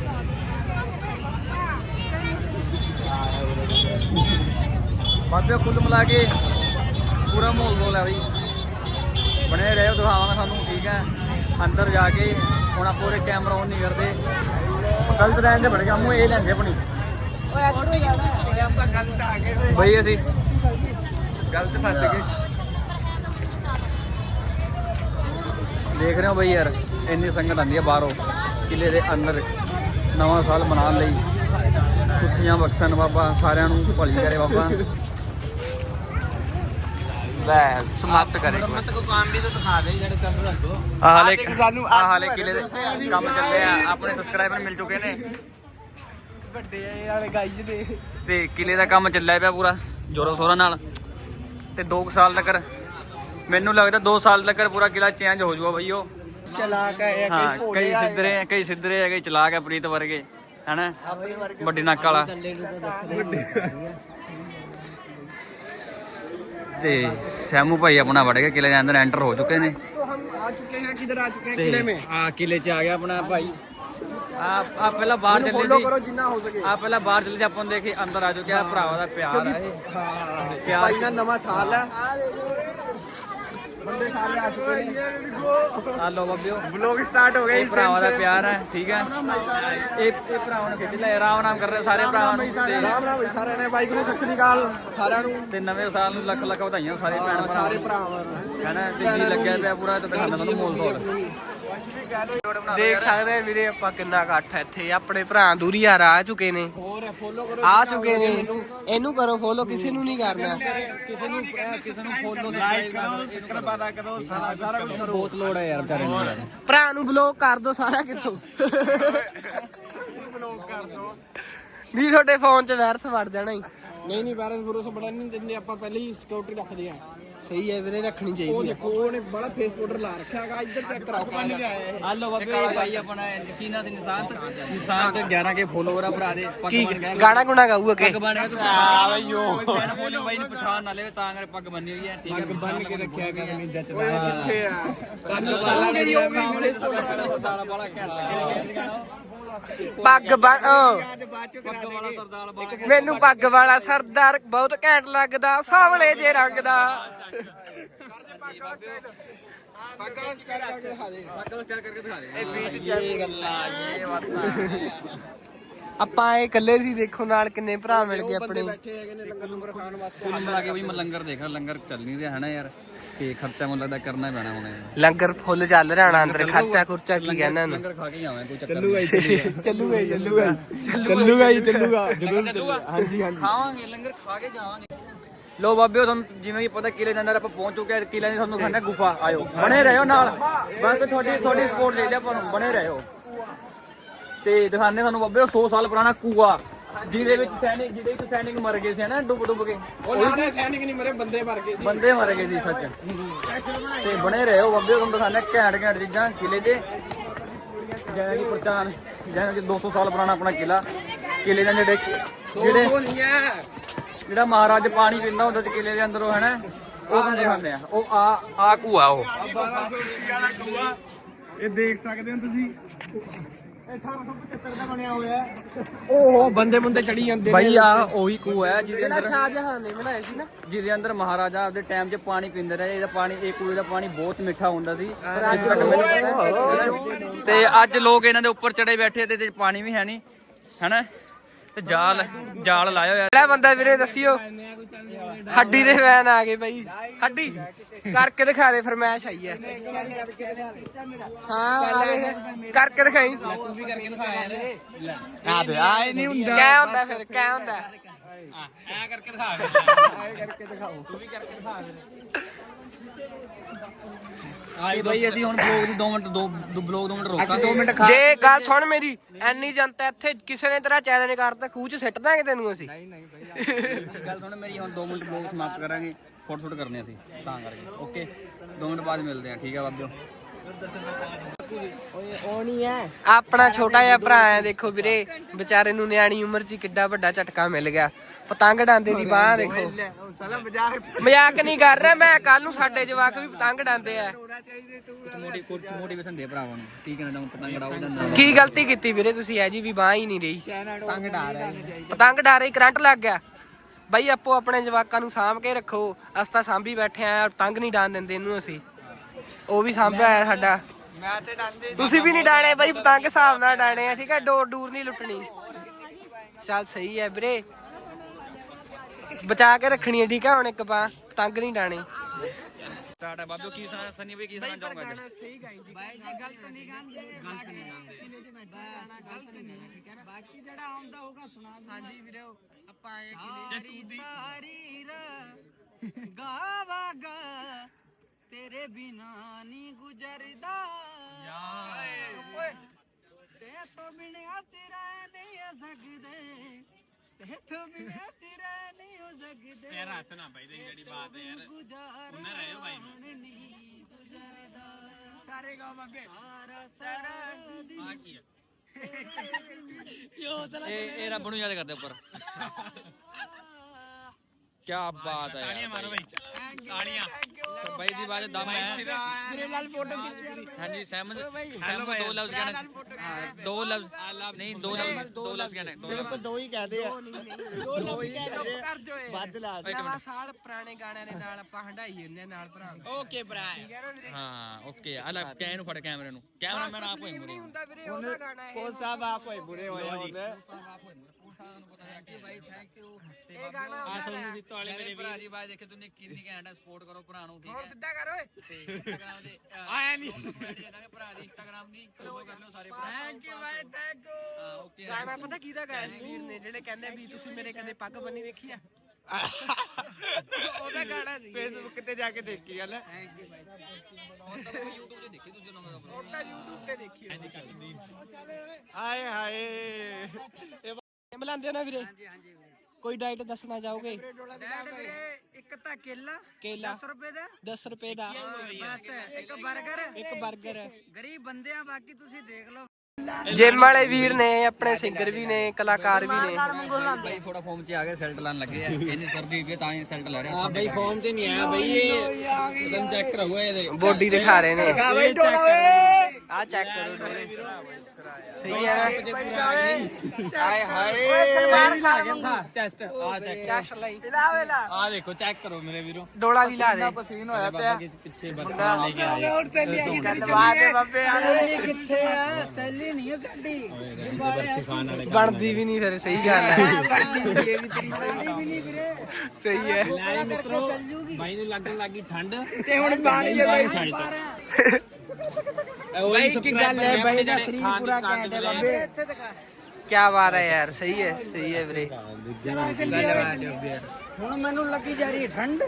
[SPEAKER 2] ਬਾਬੇ ਕੁੱਲ ਮਿਲਾ ਕੇ ਪੂਰਾ ਮਾਹੌਲ ਹੈ ਬਈ ਬਣੇ ਰਹੋ ਦਿਖਾਵਾਂਗਾ ਸਾਨੂੰ ਠੀਕ ਹੈ ਅੰਦਰ ਜਾ ਕੇ ਹੁਣ ਆਪਾਂ ਪੂਰੇ ਕੈਮਰਾ ਔਨ ਨਹੀਂ ਕਰਦੇ ਗਲਤ ਰਹਿਣ ਦੇ ਬੜੇ ਕੰਮ ਇਹ ਲੈਂਦੇ ਆਪਣੀ ਬਈ ਅਸੀਂ ਗਲਤ ਫਸ ਗਏ ਦੇਖ ਰਹੇ ਹੋ ਬਈ ਯਾਰ ਇੰਨੀ ਸੰਗਤ ਆਉਂਦੀ ਹੈ ਬਾਹਰੋਂ ਕਿਲੇ ਦੇ ਅੰਦਰ ਨਵਾਂ ਸਾਲ ਮਨਾਉਣ ਲਈ ਖੁਸ਼ੀਆਂ ਬਖਸ਼ਣ ਬਾਬਾ ਸਾਰਿਆਂ ਨੂੰ ਭਲੀ ਕਰੇ ਬਾਬਾ
[SPEAKER 1] ਲੈ ਸਮਾਪਤ ਕਰੇ
[SPEAKER 3] ਮਤ ਕੋ ਕੰਮ ਵੀ ਤਾਂ ਦਿਖਾ ਦੇ ਜਿਹੜੇ ਚੱਲ ਰੱਖੋ
[SPEAKER 2] ਹਾਲੇ ਕਿਲੇ ਦੇ ਕੰਮ ਚੱਲੇ ਆ ਆਪਣੇ ਸਬਸਕ੍ਰਾਈਬਰ ਮਿਲ ਚੁੱਕੇ ਨੇ
[SPEAKER 1] ਵੱਡੇ ਯਾਰ ਗਾਈਜ ਦੇ
[SPEAKER 2] ਤੇ ਕਿਲੇ ਦਾ ਕੰਮ ਚੱਲਿਆ ਪਿਆ ਪੂਰਾ ਜ਼ੋਰਾਂ ਸ਼ੋਰਾਂ ਨਾਲ ਤੇ 2 ਸਾਲ ਤੱਕ ਮੈਨੂੰ ਲੱਗਦਾ 2 ਸਾਲ ਤੱਕ ਪੂਰਾ ਕਿਲਾ ਚੇਂਜ ਹੋ ਜਾਊਗਾ ਬਈ ਉਹ
[SPEAKER 1] ਚਲਾਕ ਹੈ
[SPEAKER 2] ਹਾਂ ਕਈ ਸਿੱਧਰੇ ਆ ਕਈ ਚਲਾਕ ਆ ਪ੍ਰੀਤ ਵਰਗੇ ਹੈਨਾ ਵੱਡੀ ਨੱਕ ਵਾਲਾ ਤੇ ਸੈਮੂ ਭਾਈ ਆਪਣਾ ਵੜ ਕੇ ਕਿਲੇ ਦੇ ਅੰਦਰ ਐਂਟਰ ਹੋ ਚੁੱਕੇ ਨੇ
[SPEAKER 1] ਆ ਚੁੱਕੇ हैं किधर आ चुके हैं
[SPEAKER 2] ਕਿਲੇ ਮੇ ਆ ਕਿਲੇ 'ਚ ਆ ਗਿਆ ਆਪਣਾ ਭਾਈ ਆ ਪਹਿਲਾਂ ਬਾਹਰ ਚੱਲੇ ਸੀ
[SPEAKER 1] करो जिन्ना हो सके
[SPEAKER 2] ਆ ਪਹਿਲਾਂ ਬਾਹਰ ਚੱਲੇ ਸੀ ਆਪਾਂ ਨੂੰ ਦੇਖੀ ਅੰਦਰ ਆ ਚੁੱਕਿਆ ਭਰਾਵਾਂ ਦਾ ਪਿਆਰ ਹੈ ਇਹ ਪਿਆਰ
[SPEAKER 1] ਭਾਈ ਨਾਲ ਨਵਾਂ ਸਾਲ ਹੈ
[SPEAKER 3] ਬੰਦੇ ਸਾਰੇ ਆ ਚੁੱਕੇ ਨੇ।
[SPEAKER 2] ਆ ਲੋ ਬਾਬਿਓ
[SPEAKER 3] ਵਲੌਗ ਸਟਾਰਟ ਹੋ ਗਿਆ
[SPEAKER 2] ਇਹ ਭਰਾਵਾਂ ਦਾ ਪਿਆਰ ਹੈ, ਠੀਕ ਹੈ। ਇਹ ਭਰਾਵਾਂ ਨੂੰ ਖਿੱਚ ਲੈ, ਰਾਮ ਨਾਮ ਕਰ ਰਹੇ ਸਾਰੇ ਭਰਾਵਾਂ ਨੂੰ ਤੇ
[SPEAKER 3] ਰਾਮ ਰਾਮ ਬਈ ਸਾਰਿਆਂ ਨੇ, ਵਾਹਿਗੁਰੂ ਸਤਿ ਸ੍ਰੀ ਅਕਾਲ ਸਾਰਿਆਂ ਨੂੰ
[SPEAKER 2] ਤੇ ਨਵੇਂ ਸਾਲ ਨੂੰ ਲੱਖ ਲੱਖ ਵਧਾਈਆਂ ਸਾਰੇ ਭੈਣ
[SPEAKER 3] ਸਾਰੇ ਭਰਾਵਾਂ ਨੂੰ।
[SPEAKER 2] ਹੈਨਾ। ਤੇ ਜੀ ਲੱਗਿਆ ਪਿਆ ਪੂਰਾ ਤੇ ਦਿਖਾਣਾ ਤੁਹਾਨੂੰ ਮੋਲ ਤੋੜ।
[SPEAKER 1] ਦੇਖ ਸਕਦੇ ਆ ਵੀਰੇ ਆਪਾਂ ਕਿੰਨਾ ਇਕੱਠ ਹੈ ਇੱਥੇ। ਆਪਣੇ ਭਰਾ ਦੂਰੀ ਯਾਰ ਆ ਚੁੱਕੇ ਨੇ,
[SPEAKER 3] ਹੋਰ ਫੋਲੋ ਕਰੋ,
[SPEAKER 1] ਆ ਚੁੱਕੇ ਨੇ। ਇਹਨੂੰ ਕਰੋ ਫੋਲੋ, ਕਿਸੇ ਨੂੰ ਨਹੀਂ ਕਰਨਾ।
[SPEAKER 2] ਕਿਸੇ ਨੂੰ ਫੋਲੋ
[SPEAKER 3] ਲਾਈਕ ਕਰੋ, ਸ਼ੇਅਰ ਪਤਾ ਕਰੋ, ਸਾਰਾ ਕੁਝ ਕਰੋ।
[SPEAKER 2] ਬਹੁਤ ਲੋੜ ਹੈ ਯਾਰ ਵਿਚਾਰੇ ਨੂੰ।
[SPEAKER 1] ਭਰਾ ਨੂੰ ਬਲੌਕ ਕਰ ਦੋ ਸਾਰਾ ਕਿੱਥੋਂ। ਜੀ ਤੁਹਾਡੇ ਫੋਨ 'ਚ ਵਾਇਰਸ ਵੜ ਜਾਣਾ ਹੀ।
[SPEAKER 3] ਨਹੀਂ ਵਾਇਰਸ ਬਰੋਸ ਬੜਾ ਨਹੀਂ ਦਿੰਦੇ ਆਪਾਂ, ਪਹਿਲੇ ਹੀ ਸਿਕਿਉਰਿਟੀ ਰੱਖਦੇ ਆ।
[SPEAKER 1] ਸਹੀ ਹੈ ਵੀਰੇ, ਰੱਖਣੀ
[SPEAKER 3] ਉਹ
[SPEAKER 1] ਚਾਹੀਦੀ ਹੈ।
[SPEAKER 3] ਦੇਖੋ ਉਹਨੇ ਬੜਾ ਫੇਸ ਪਾਊਡਰ ਲਾ ਰੱਖਿਆ ਹੈਗਾ, ਇੱਧਰ ਚੈੱਕ ਕਰਾ ਕੇ
[SPEAKER 2] ਆ ਲੋ ਬਾਬੇ ਭਾਈ ਆਪਣਾ ਯਕੀਨਾ ਤੇ ਨਿਸ਼ਾਨ ਤੇ 11 ਕੇ ਫੋਲੋਵਰ ਆ ਭਰਾ ਦੇ। ਪੱਗ
[SPEAKER 1] ਕੀ
[SPEAKER 2] ਬਣ ਗਿਆ,
[SPEAKER 1] ਗਾਣਾ ਗੁਣਾ ਗਾਊ ਅੱਗੇ?
[SPEAKER 2] ਪੱਗ ਬਣ ਗਿਆ ਤੂੰ ਆ ਬਈ ਯੋ ਫੈਨ ਫੋਲੋ ਬਾਈ ਨੂੰ ਪਛਾਣ ਨਾ ਲਵੇ ਤਾਂ ਕਰ ਪੱਗ ਬੰਨੀ ਹੋਈ ਹੈ, ਠੀਕ ਹੈ।
[SPEAKER 3] ਬੰਨ ਕੇ ਰੱਖਿਆ ਕਰ, ਨਹੀਂ ਜੱਚਦਾ ਕਿੱਥੇ ਆ ਮਸਾਲਾ ਮੇਰੀ ਹੋ ਗਈ ਇੰਗਲਿਸ਼ ਤੋਂ
[SPEAKER 2] ਸਰਦਾਰ ਵਾਲਾ ਘੈਂਟ
[SPEAKER 1] ਪੱਗ ਬਣ
[SPEAKER 2] ਪੱਗ ਵਾਲਾ ਸਰਦਾਰ ਵਾਲਾ
[SPEAKER 1] ਮੈਨੂੰ ਪੱਗ ਵਾਲਾ ਸਰਦਾਰ ਬਹੁਤ ਘੈਂਟ ਲੱਗਦਾ, ਸਾਵਲੇ ਜੇ ਰੰਗ ਦਾ।
[SPEAKER 2] ਇਹ ਗੱਲਾਂ ਇਹ ਬਾਤਾਂ
[SPEAKER 1] ਆਪਾਂ ਇਹ ਇਕੱਲੇ ਸੀ, ਦੇਖੋ ਨਾਲ ਕਿੰਨੇ ਭਰਾ ਮਿਲ ਗਏ ਆਪਣੇ।
[SPEAKER 3] ਬੈਠੇ ਹੈਗੇ ਨੇ ਲੰਗਰ ਲੰਗਰ ਖਾਣ ਵਾਸਤੇ।
[SPEAKER 2] ਕੁੱਲ ਮਿਲਾ ਕੇ ਬਈ ਮੈਂ ਲੰਗਰ ਦੇਖ ਰਿਹਾ, ਲੰਗਰ ਚੱਲ ਨਹੀਂ ਰਿਹਾ ਹੈ ਨਾ ਯਾਰ। ਤੇ ਖਰਚਾ ਮੈਨੂੰ ਲੱਗਦਾ ਕਰਨਾ ਪੈਣਾ ਹੁਣ।
[SPEAKER 1] ਲੰਗਰ ਫੁੱਲ ਚੱਲ ਰਿਹਾ ਹੋਣਾ ਅੰਦਰ, ਖਰਚਾ ਖੁਰਚਾ ਕੀ ਕਹਿੰਦਾ ਇਹਨੂੰ।
[SPEAKER 2] ਲੰਗਰ ਖਾ ਕੇ ਜਾਵਾਂ ਕੋਈ ਚੱਕਰ
[SPEAKER 3] ਚੱਲੂਗਾ
[SPEAKER 2] ਨਹੀਂ।
[SPEAKER 3] ਹੀ ਚੱਲੂਗਾ ਹੀ ਚੱਲੂਗਾ ਹੀ ਚੱਲੂਗਾ ਜਰੂਰ ਚੱਲੂਗਾ। ਹਾਂਜੀ ਹਾਂਜੀ
[SPEAKER 2] ਖਾਵਾਂਗੇ ਲੰਗਰ ਖਾ ਕੇ ਜਾਵਾਂਗੇ। ਲੋ ਬਾਬਿਓ ਤੁਹਾਨੂੰ ਜਿਵੇਂ ਵੀ ਪਤਾ ਕਿਲੇ ਦੇ ਅੰਦਰ ਆਪਾਂ ਪਹੁੰਚ ਚੁੱਕੇ ਹਾਂ। ਕਿਲੇ ਦੀ ਤੁਹਾਨੂੰ ਖਾਣਾ ਗੁਫਾ, ਆਇਓ ਬਣੇ ਰਹੋ ਨਾਲ, ਬਸ ਤੁਹਾਡੀ ਸਪੋਰਟ ਲੈ ਲਿਆ, ਆਪਾਂ ਨੂੰ ਬਣੇ ਰਹੋ। ਤੇ ਦਿਖਾਣੇ ਤੁਹਾਨੂੰ ਬਾਬਿਓ 100 ਸਾਲ ਪੁਰਾਣਾ ਕੂਆ, ਜਿਹਦੇ ਵਿੱਚ ਸੈਨਿਕ ਮਰ ਗਏ ਸੀ ਨਾ, ਡੁੱਬ ਕੇ।
[SPEAKER 3] ਉਹ ਨਾਲੇ ਸੈਨਿਕ ਨਹੀਂ ਮਰੇ, ਬੰਦੇ ਮਰ ਗਏ ਸੀ।
[SPEAKER 2] ਬੰਦੇ ਮਰ ਗਏ ਸੀ ਸੱਚ। ਤੇ ਬਣੇ ਰਹੋ ਬਾਬਿਓ, ਤੁਹਾਨੂੰ ਦਿਖਾਣੇ ਘੈਂਟ ਚੀਜ਼ਾਂ ਕਿਲੇ ਦੇ। ਜਿਵੇਂ ਕਿ ਪ੍ਰਚਾਨ, ਜਿਵੇਂ ਕਿ 200 ਸਾਲ ਪੁਰਾਣਾ ਆਪਣਾ ਕਿਲਾ। ਕਿਲੇ ਦੇ ਜਿਹੜੇ
[SPEAKER 3] ਨਹੀਂ ਹੈ
[SPEAKER 2] ਜਿਹੜਾ ਮਹਾਰਾਜ ਪਾਣੀ ਪੀਂਦਾ ਹੁੰਦਾ ਸੀ ਕਿਲੇ ਦੇ ਅੰਦਰੋਂ, ਹੈ ਨਾ, ਉਹ ਤੁਹਾਨੂੰ ਦਿਖਾਉਂਦੇ ਆ। ਉਹ ਆ ਕੂਆ ਉਹ
[SPEAKER 3] 1280 ਵਾਲਾ ਕੂਆ, ਇਹ ਦੇਖ ਸਕਦੇ ਹੋ ਤੁਸੀਂ। ਇਹ 1875 ਦਾ ਬਣਿਆ ਹੋਇਆ ਹੈ। ਉਹ ਬੰਦੇ ਬੰਦੇ ਚੜੀ ਜਾਂਦੇ
[SPEAKER 2] ਬਈ ਆ ਉਹੀ ਕੂਆ ਹੈ ਜਿਹਦੇ ਅੰਦਰ
[SPEAKER 1] ਸ਼ਾਹਜਹਾਨ ਨੇ ਬਣਾਇਆ ਸੀ ਨਾ,
[SPEAKER 2] ਜਿਹਦੇ ਅੰਦਰ ਮਹਾਰਾਜਾ ਆਪਦੇ ਟਾਈਮ 'ਚ ਪਾਣੀ ਪੀਂਦੇ ਰਹੇ। ਇਹਦਾ ਪਾਣੀ, ਇਹ ਕੂਏ ਦਾ ਪਾਣੀ ਬਹੁਤ ਮਿੱਠਾ ਹੁੰਦਾ ਸੀ। ਤੇ ਅੱਜ ਲੋਕ ਇਹਨਾਂ ਦੇ ਉੱਪਰ ਚੜੇ ਬੈਠੇ ਤੇ ਇਹਦੇ 'ਚ ਪਾਣੀ ਵੀ ਹੈ ਨਹੀਂ, ਹੈਨਾ। ਤੇ ਜਾਲ ਲਾਇਆ ਹੋਇਆ।
[SPEAKER 1] ਪਹਿਲਾ ਬੰਦਾ ਵੀਰੇ ਦੱਸਿਓ। ਹੱਡੀ ਦੇ ਫੈਨ ਆ ਗਏ ਬਾਈ। ਹੱਡੀ ਕਰਕੇ ਦਿਖਾ ਦੇ, ਫਰਮਾਇਸ਼ ਆਈ ਹੈ। ਹਾਂ ਆ ਦੇਖ, ਕਰਕੇ ਦਿਖਾਈ।
[SPEAKER 3] ਤੂੰ ਵੀ ਕਰਕੇ ਦਿਖਾਇਆ ਨੇ।
[SPEAKER 2] ਆ ਦੇ ਆਏ ਨਹੀਂ ਹੁੰਦਾ।
[SPEAKER 1] ਕਿਆ ਹੁੰਦਾ ਫਿਰ, ਕਿਆ ਹੁੰਦਾ?
[SPEAKER 3] ਐ ਕਰਕੇ ਦਿਖਾ, ਐ ਕਰਕੇ ਦਿਖਾਓ। ਤੂੰ ਵੀ ਕਰਕੇ ਦਿਖਾ ਫਿਰ।
[SPEAKER 2] ਆਈ ਬਈ ਅਸੀਂ ਹੁਣ ਬਲੌਗ ਦੀ 2 ਮਿੰਟ ਰੋਕਾਂਗੇ। 2 ਮਿੰਟ
[SPEAKER 1] ਜੇ ਗੱਲ ਸੁਣ ਮੇਰੀ, ਐਨੀ ਜਨਤਾ ਇੱਥੇ, ਕਿਸੇ ਨੇ ਤੇਰਾ ਚੈਲੰਜ ਕਰਤਾ, ਖੂਹ 'ਚ ਸਿੱਟ ਦਾਂਗੇ ਤੈਨੂੰ ਅਸੀਂ।
[SPEAKER 2] ਨਹੀਂ ਬਈ ਗੱਲ ਸੁਣ ਮੇਰੀ, ਹੁਣ 2 ਮਿੰਟ ਬਲੌਗ ਸਮਾਪਤ ਕਰਾਂਗੇ। ਫੋਟੋ ਕਰਨੇ ਅਸੀਂ ਤਾਂ ਕਰਕੇ। ਓਕੇ 2 ਮਿੰਟ ਬਾਅਦ ਮਿਲਦੇ ਆ, ਠੀਕ ਆ ਬਾਬਿਓ।
[SPEAKER 1] ਉਹ ਨਹੀਂ ਹੈ ਆਪਣਾ ਛੋਟਾ ਜਿਹਾ ਭਰਾ ਹੈ। ਦੇਖੋ ਵੀਰੇ, ਵਿਚਾਰੇ ਨੂੰ ਨਿਆਣੀ ਉਮਰ 'ਚ ਕਿੱਡਾ ਵੱਡਾ ਝਟਕਾ ਮਿਲ ਗਿਆ। ਪਤੰਗ ਡਾਂਦੇ ਦੀ ਬਾਹ ਦੇਖੋ। ਮਜ਼ਾਕ ਨਹੀਂ ਕਰ ਰਿਹਾ ਮੈਂ, ਕੱਲ ਨੂੰ ਸਾਡੇ ਜਵਾਕ ਵੀ ਪਤੰਗ ਡਾਂਦੇ ਆ।
[SPEAKER 2] ਮੋਟੀਵੇਸ਼ਨ ਦੇ ਭਰਾਵਾਂ ਨੂੰ, ਠੀਕ ਹੈ ਨਾ। ਪਤੰਗ ਡਾਓ।
[SPEAKER 1] ਕੀ ਗਲਤੀ ਕੀਤੀ ਵੀਰੇ ਤੁਸੀਂ? ਐ ਜੀ ਵੀ ਬਾਹ ਹੀ ਨਹੀਂ ਰਹੀ। ਪਤੰਗ ਡਾਰੇ ਕਰੰਟ ਲੱਗ ਗਿਆ ਬਾਈ। ਆਪੋ ਆਪਣੇ ਜਵਾਕਾਂ ਨੂੰ ਸਾਂਭ ਕੇ ਰੱਖੋ। ਅਸੀਂ ਤਾਂ ਸਾਂਭੀ ਬੈਠੇ ਆ, ਪਤੰਗ ਨਹੀਂ ਡਾਣ ਦਿੰਦੇ ਇਹਨੂੰ ਅਸੀਂ। ਉਹ ਵੀ ਸਾਂਭਿਆ ਹੋਇਆ ਸਾਡਾ। ਤੁਸੀਂ ਵੀ ਨਹੀਂ ਡਾਣੇ ਬਾਈ, ਪਤੰਗ ਹਿਸਾਬ ਨਾਲ ਡਾਣੇ ਆ, ਠੀਕ ਹੈ। ਡੋਰ ਨਹੀਂ ਲੁੱਟਣੀ। ਚੱਲ ਸਹੀ ਹੈ ਵੀਰੇ, ਬਚਾ ਕੇ ਰੱਖਣੀ ਹੈ, ਠੀਕ ਹੈ। ਹੁਣ ਇੱਕ ਪਤੰਗ ਨਹੀਂ ਡਾਣੇ।
[SPEAKER 2] ਸਟਾਰਟ ਹੈ ਬਾਬਿਓ। ਕੀ ਸਨੀ ਬਈ ਕੀ ਸੁਣਾ ਚਾਹੋਗੇ?
[SPEAKER 1] ਸਹੀ ਗਾਈ ਜੀ ਬਾਈ ਜੀ, ਗਲਤ ਨਹੀਂ ਗਾਉਂਦੇ, ਗਲਤ ਨਹੀਂ ਠੀਕ ਹੈ ਨਾ। ਬਾਕੀ ਜਿਹੜਾ ਆਉਂਦਾ ਹੋਊਗਾ ਸੁਣਾ। ਹਾਂਜੀ ਵੀਰੇ, ਆਪਾਂ ਇਹ ਸਾਰੀ ਗਾਵਾਂਗਾ, ਤੇਰੇ ਬਿਨਾ ਨਹੀਂ ਗੁਜ਼ਰਦਾ ਓਏ, ਤੇ ਤੋਂ ਬਿਨਾ ਸਿਰਾ ਨਹੀਂ ਹੋ ਸਕਦੇ, ਤੇ ਤੋਂ ਬਿਨਾ ਸਿਰਾ ਨਹੀਂ ਹੋ ਸਕਦੇ।
[SPEAKER 3] ਯਾਰ ਹੱਥ ਨਾ ਪਾਈ ਦੇ, ਜਿਹੜੀ ਬਾਤ ਹੈ ਯਾਰ। ਉਹਨਾਂ ਰਹਿਓ ਭਾਈ
[SPEAKER 1] ਨਹੀਂ ਗੁਜ਼ਰਦਾ।
[SPEAKER 3] ਸਾਰੇ ਗਾਓ ਬਾਬੇ।
[SPEAKER 1] ਸਾਰਾ
[SPEAKER 3] ਆ ਕੀ ਹੈ?
[SPEAKER 2] ਇਹ ਰੱਬ ਨੂੰ ਯਾਦ ਕਰਦੇ ਉੱਪਰ। ਕੀ ਬਾਤ ਹੈ
[SPEAKER 3] ਤਾੜੀਆਂ ਮਾਰੋ ਭਾਈ, ਤਾੜੀਆਂ।
[SPEAKER 2] ਬਾਈ ਦੀ ਆਵਾਜ਼ ਦਮ ਹੈ
[SPEAKER 1] ਮੇਰੇ ਨਾਲ ਫੋਟੋ ਖਿੱਚੀ
[SPEAKER 2] ਹਾਂਜੀ ਸਹਿਮਤ ਦੋ ਲਫ਼ਜ਼ ਕਹਿਣਾ ਹਾਂ ਦੋ ਲਫ਼ਜ਼ ਨਹੀਂ ਦੋ ਲਫ਼ਜ਼ ਕਹਿਣਾ
[SPEAKER 4] ਸਿਰਫ ਦੋ ਹੀ ਕਹਦੇ ਆ ਦੋ ਹੀ ਕਹਦੇ ਵੱਧ ਲਾ ਦੇ
[SPEAKER 1] ਨਵਾਂ ਸਾਲ ਪੁਰਾਣੇ ਗਾਣਿਆਂ ਦੇ ਨਾਲ ਆਪਾਂ ਹੰਡਾਈ ਹੁੰਦੇ ਨਾਲ ਭਰਾ ਓਕੇ ਭਰਾ
[SPEAKER 2] ਹਾਂ ਓਕੇ ਆ ਲੈ ਕੈਨ ਨੂੰ ਫੜ ਕੈਮਰੇ ਨੂੰ ਕੈਮਰਾਮੈਨ ਆਪ ਹੋਏ ਮੁਰੇ
[SPEAKER 1] ਹੁੰਦਾ ਵੀਰੇ ਉਹਦਾ ਗਾਣਾ ਹੈ
[SPEAKER 4] ਕੋਚ ਸਾਹਿਬ ਆਪ ਹੋਏ ਬੁਰੇ ਹੋਏ ਉਹਦੇ
[SPEAKER 1] ਇਹ ਗਾਣਾ
[SPEAKER 3] ਆ ਸੋਨੂੰ ਸਿੱਤੋ ਵਾਲੇ ਮੇਰੇ
[SPEAKER 2] ਭਰਾ ਦੀ ਆਵਾਜ਼ ਦੇਖੇ ਤੁਸੀਂ ਕਿੰਨੀ ਘੈਂਟ ਸਪੋਰਟ ਕਰੋ ਭਰਾ ਨੂੰ ਠੀਕ
[SPEAKER 1] ਹੋਰ
[SPEAKER 2] ਹੈ
[SPEAKER 1] ਸਿੱਧਾ ਕਰ ਓਏ
[SPEAKER 2] ਤੇ ਇੰਸਟਾਗ੍ਰਾਮ ਤੇ
[SPEAKER 3] ਆਇਆ ਨਹੀਂ
[SPEAKER 2] ਭਰਾ ਦੀ ਇੰਸਟਾਗ੍ਰਾਮ ਦੀ ਫੋਲੋ ਕਰ ਲਿਓ ਸਾਰੇ ਭਰਾ
[SPEAKER 1] ਥੈਂਕ ਯੂ ਬਾਈ ਥੈਂਕ ਯੂ
[SPEAKER 2] ਹਾਂ ਓਕੇ
[SPEAKER 1] ਗਾਣਾ ਪਤਾ ਕਿਹਦਾ ਗਾਇਆ ਸੀ ਵੀਰ ਨੇ ਜਿਹੜੇ ਕਹਿੰਦੇ ਵੀ ਤੁਸੀਂ ਮੇਰੇ ਕਦੇ ਪੱਗ ਬੰਨੀ ਦੇਖੀ ਆ ਉਹਦਾ ਗਾਣਾ ਸੀ
[SPEAKER 4] ਫੇਸਬੁੱਕ ਤੇ ਜਾ ਕੇ ਦੇਖੀ ਗੱਲ
[SPEAKER 1] ਥੈਂਕ ਯੂ ਬਾਈ
[SPEAKER 2] ਹੁਣ ਤਾਂ YouTube ਤੇ ਦੇਖੀ ਤੁਸੀਂ ਉਹਨਾਂ ਦਾ
[SPEAKER 1] ਉਹ ਤਾਂ YouTube ਤੇ ਦੇਖੀ
[SPEAKER 4] ਹਾਏ ਹਾਏ
[SPEAKER 1] ਇਹ ਬੁਲਾਉਂਦੇ ਹੋ ਨਾ ਵੀਰੇ ਹਾਂਜੀ ਹਾਂਜੀ ਕੋਈ ਡਾਈਟ ਦੱਸਣਾ ਚਾਹੋਗੇ ਵੀਰੇ ਇੱਕ ਤਾਂ ਕੇਲਾ 10 ਰੁਪਏ ਦਾ 10 ਰੁਪਏ ਦਾ ਬਸ ਇੱਕ 버ਗਰ ਗਰੀਬ ਬੰਦੇ ਆ ਬਾਕੀ ਤੁਸੀਂ ਦੇਖ ਲਓ ਜਿਮ ਵਾਲੇ ਵੀਰ ਨੇ ਆਪਣੇ ਸਿੰਗਰ ਵੀ ਨੇ ਕਲਾਕਾਰ ਵੀ ਨੇ
[SPEAKER 2] ਬਾਈ ਥੋੜਾ ਫਾਰਮ 'ਚ ਆ ਗਿਆ ਸੈਲਟ ਲਾਣ ਲੱਗੇ ਆ ਇਹਨੇ ਸਰਦੀ ਵੀ ਤਾਂ ਹੀ ਸੈਲਟ ਲਾ ਰਿਹਾ
[SPEAKER 3] ਹਾਂ ਬਈ ਫਾਰਮ ਤੇ ਨਹੀਂ ਆਇਆ ਬਈ ਇਹ ਕਦਮ ਚੈੱਕ ਕਰੋ ਇਹਦੇ
[SPEAKER 1] ਬੋਡੀ ਦਿਖਾ ਰਹੇ ਨੇ ਆ ਚੈੱਕ ਕਰੋ ਸਹੀ ਹੈ ਹਾਏ ਹਾਏ
[SPEAKER 3] ਸਲਮਾਨ ਲਾ ਗਿਆ ਥਾ ਚੈਸਟ ਆ ਚੈੱਕ
[SPEAKER 1] ਕੈਸ਼ ਲਈ
[SPEAKER 3] ਆ ਦੇਖੋ ਚੈੱਕ ਕਰੋ ਮੇਰੇ ਵੀਰੋ
[SPEAKER 1] ਡੋਲਾ ਵੀ ਲਾ ਦੇ
[SPEAKER 4] ਪਸੀਨ ਹੋਇਆ ਪਿਆ
[SPEAKER 3] ਪਿੱਛੇ ਬਸ ਲੈ ਕੇ ਆਏ
[SPEAKER 1] ਗੱਲਬਾਤ ਦੇ ਬੱਬੇ
[SPEAKER 5] ਕਿੱਥੇ ਆ ਸੈਲੀ ਨਹੀਂ ਹੈ ਸਾਡੀ
[SPEAKER 1] ਬਣਦੀ ਵੀ ਨਹੀਂ ਫਿਰ ਸਹੀ ਗੱਲ ਹੈ ਸਹੀ ਹੈ
[SPEAKER 3] ਲੈ ਮਿੱਤਰੋ ਬਾਈ ਨੂੰ ਲੱਗਣ ਲੱਗੀ ਠੰਡ
[SPEAKER 1] ਤੇ ਹੁਣ ਪਾਣੀ ਹੈ ਬਾਈ
[SPEAKER 3] ਸਾਈਡ ਤੋਂ
[SPEAKER 1] ਬਾਈ ਕੀ ਗੱਲ ਹੈ ਬਾਈ ਦਾ ਸਰੀਰ ਪੂਰਾ ਘੈਂਟ ਹੈ ਬਾਬੇ ਕੀ ਬਾਤ ਹੈ ਯਾਰ ਸਹੀ ਹੈ ਵੀਰੇ ਗੱਲਬਾਤ ਹੋ ਗਿਆ
[SPEAKER 5] ਹੁਣ ਮੈਨੂੰ ਲੱਗੀ ਜਾ ਰਹੀ ਠੰਡ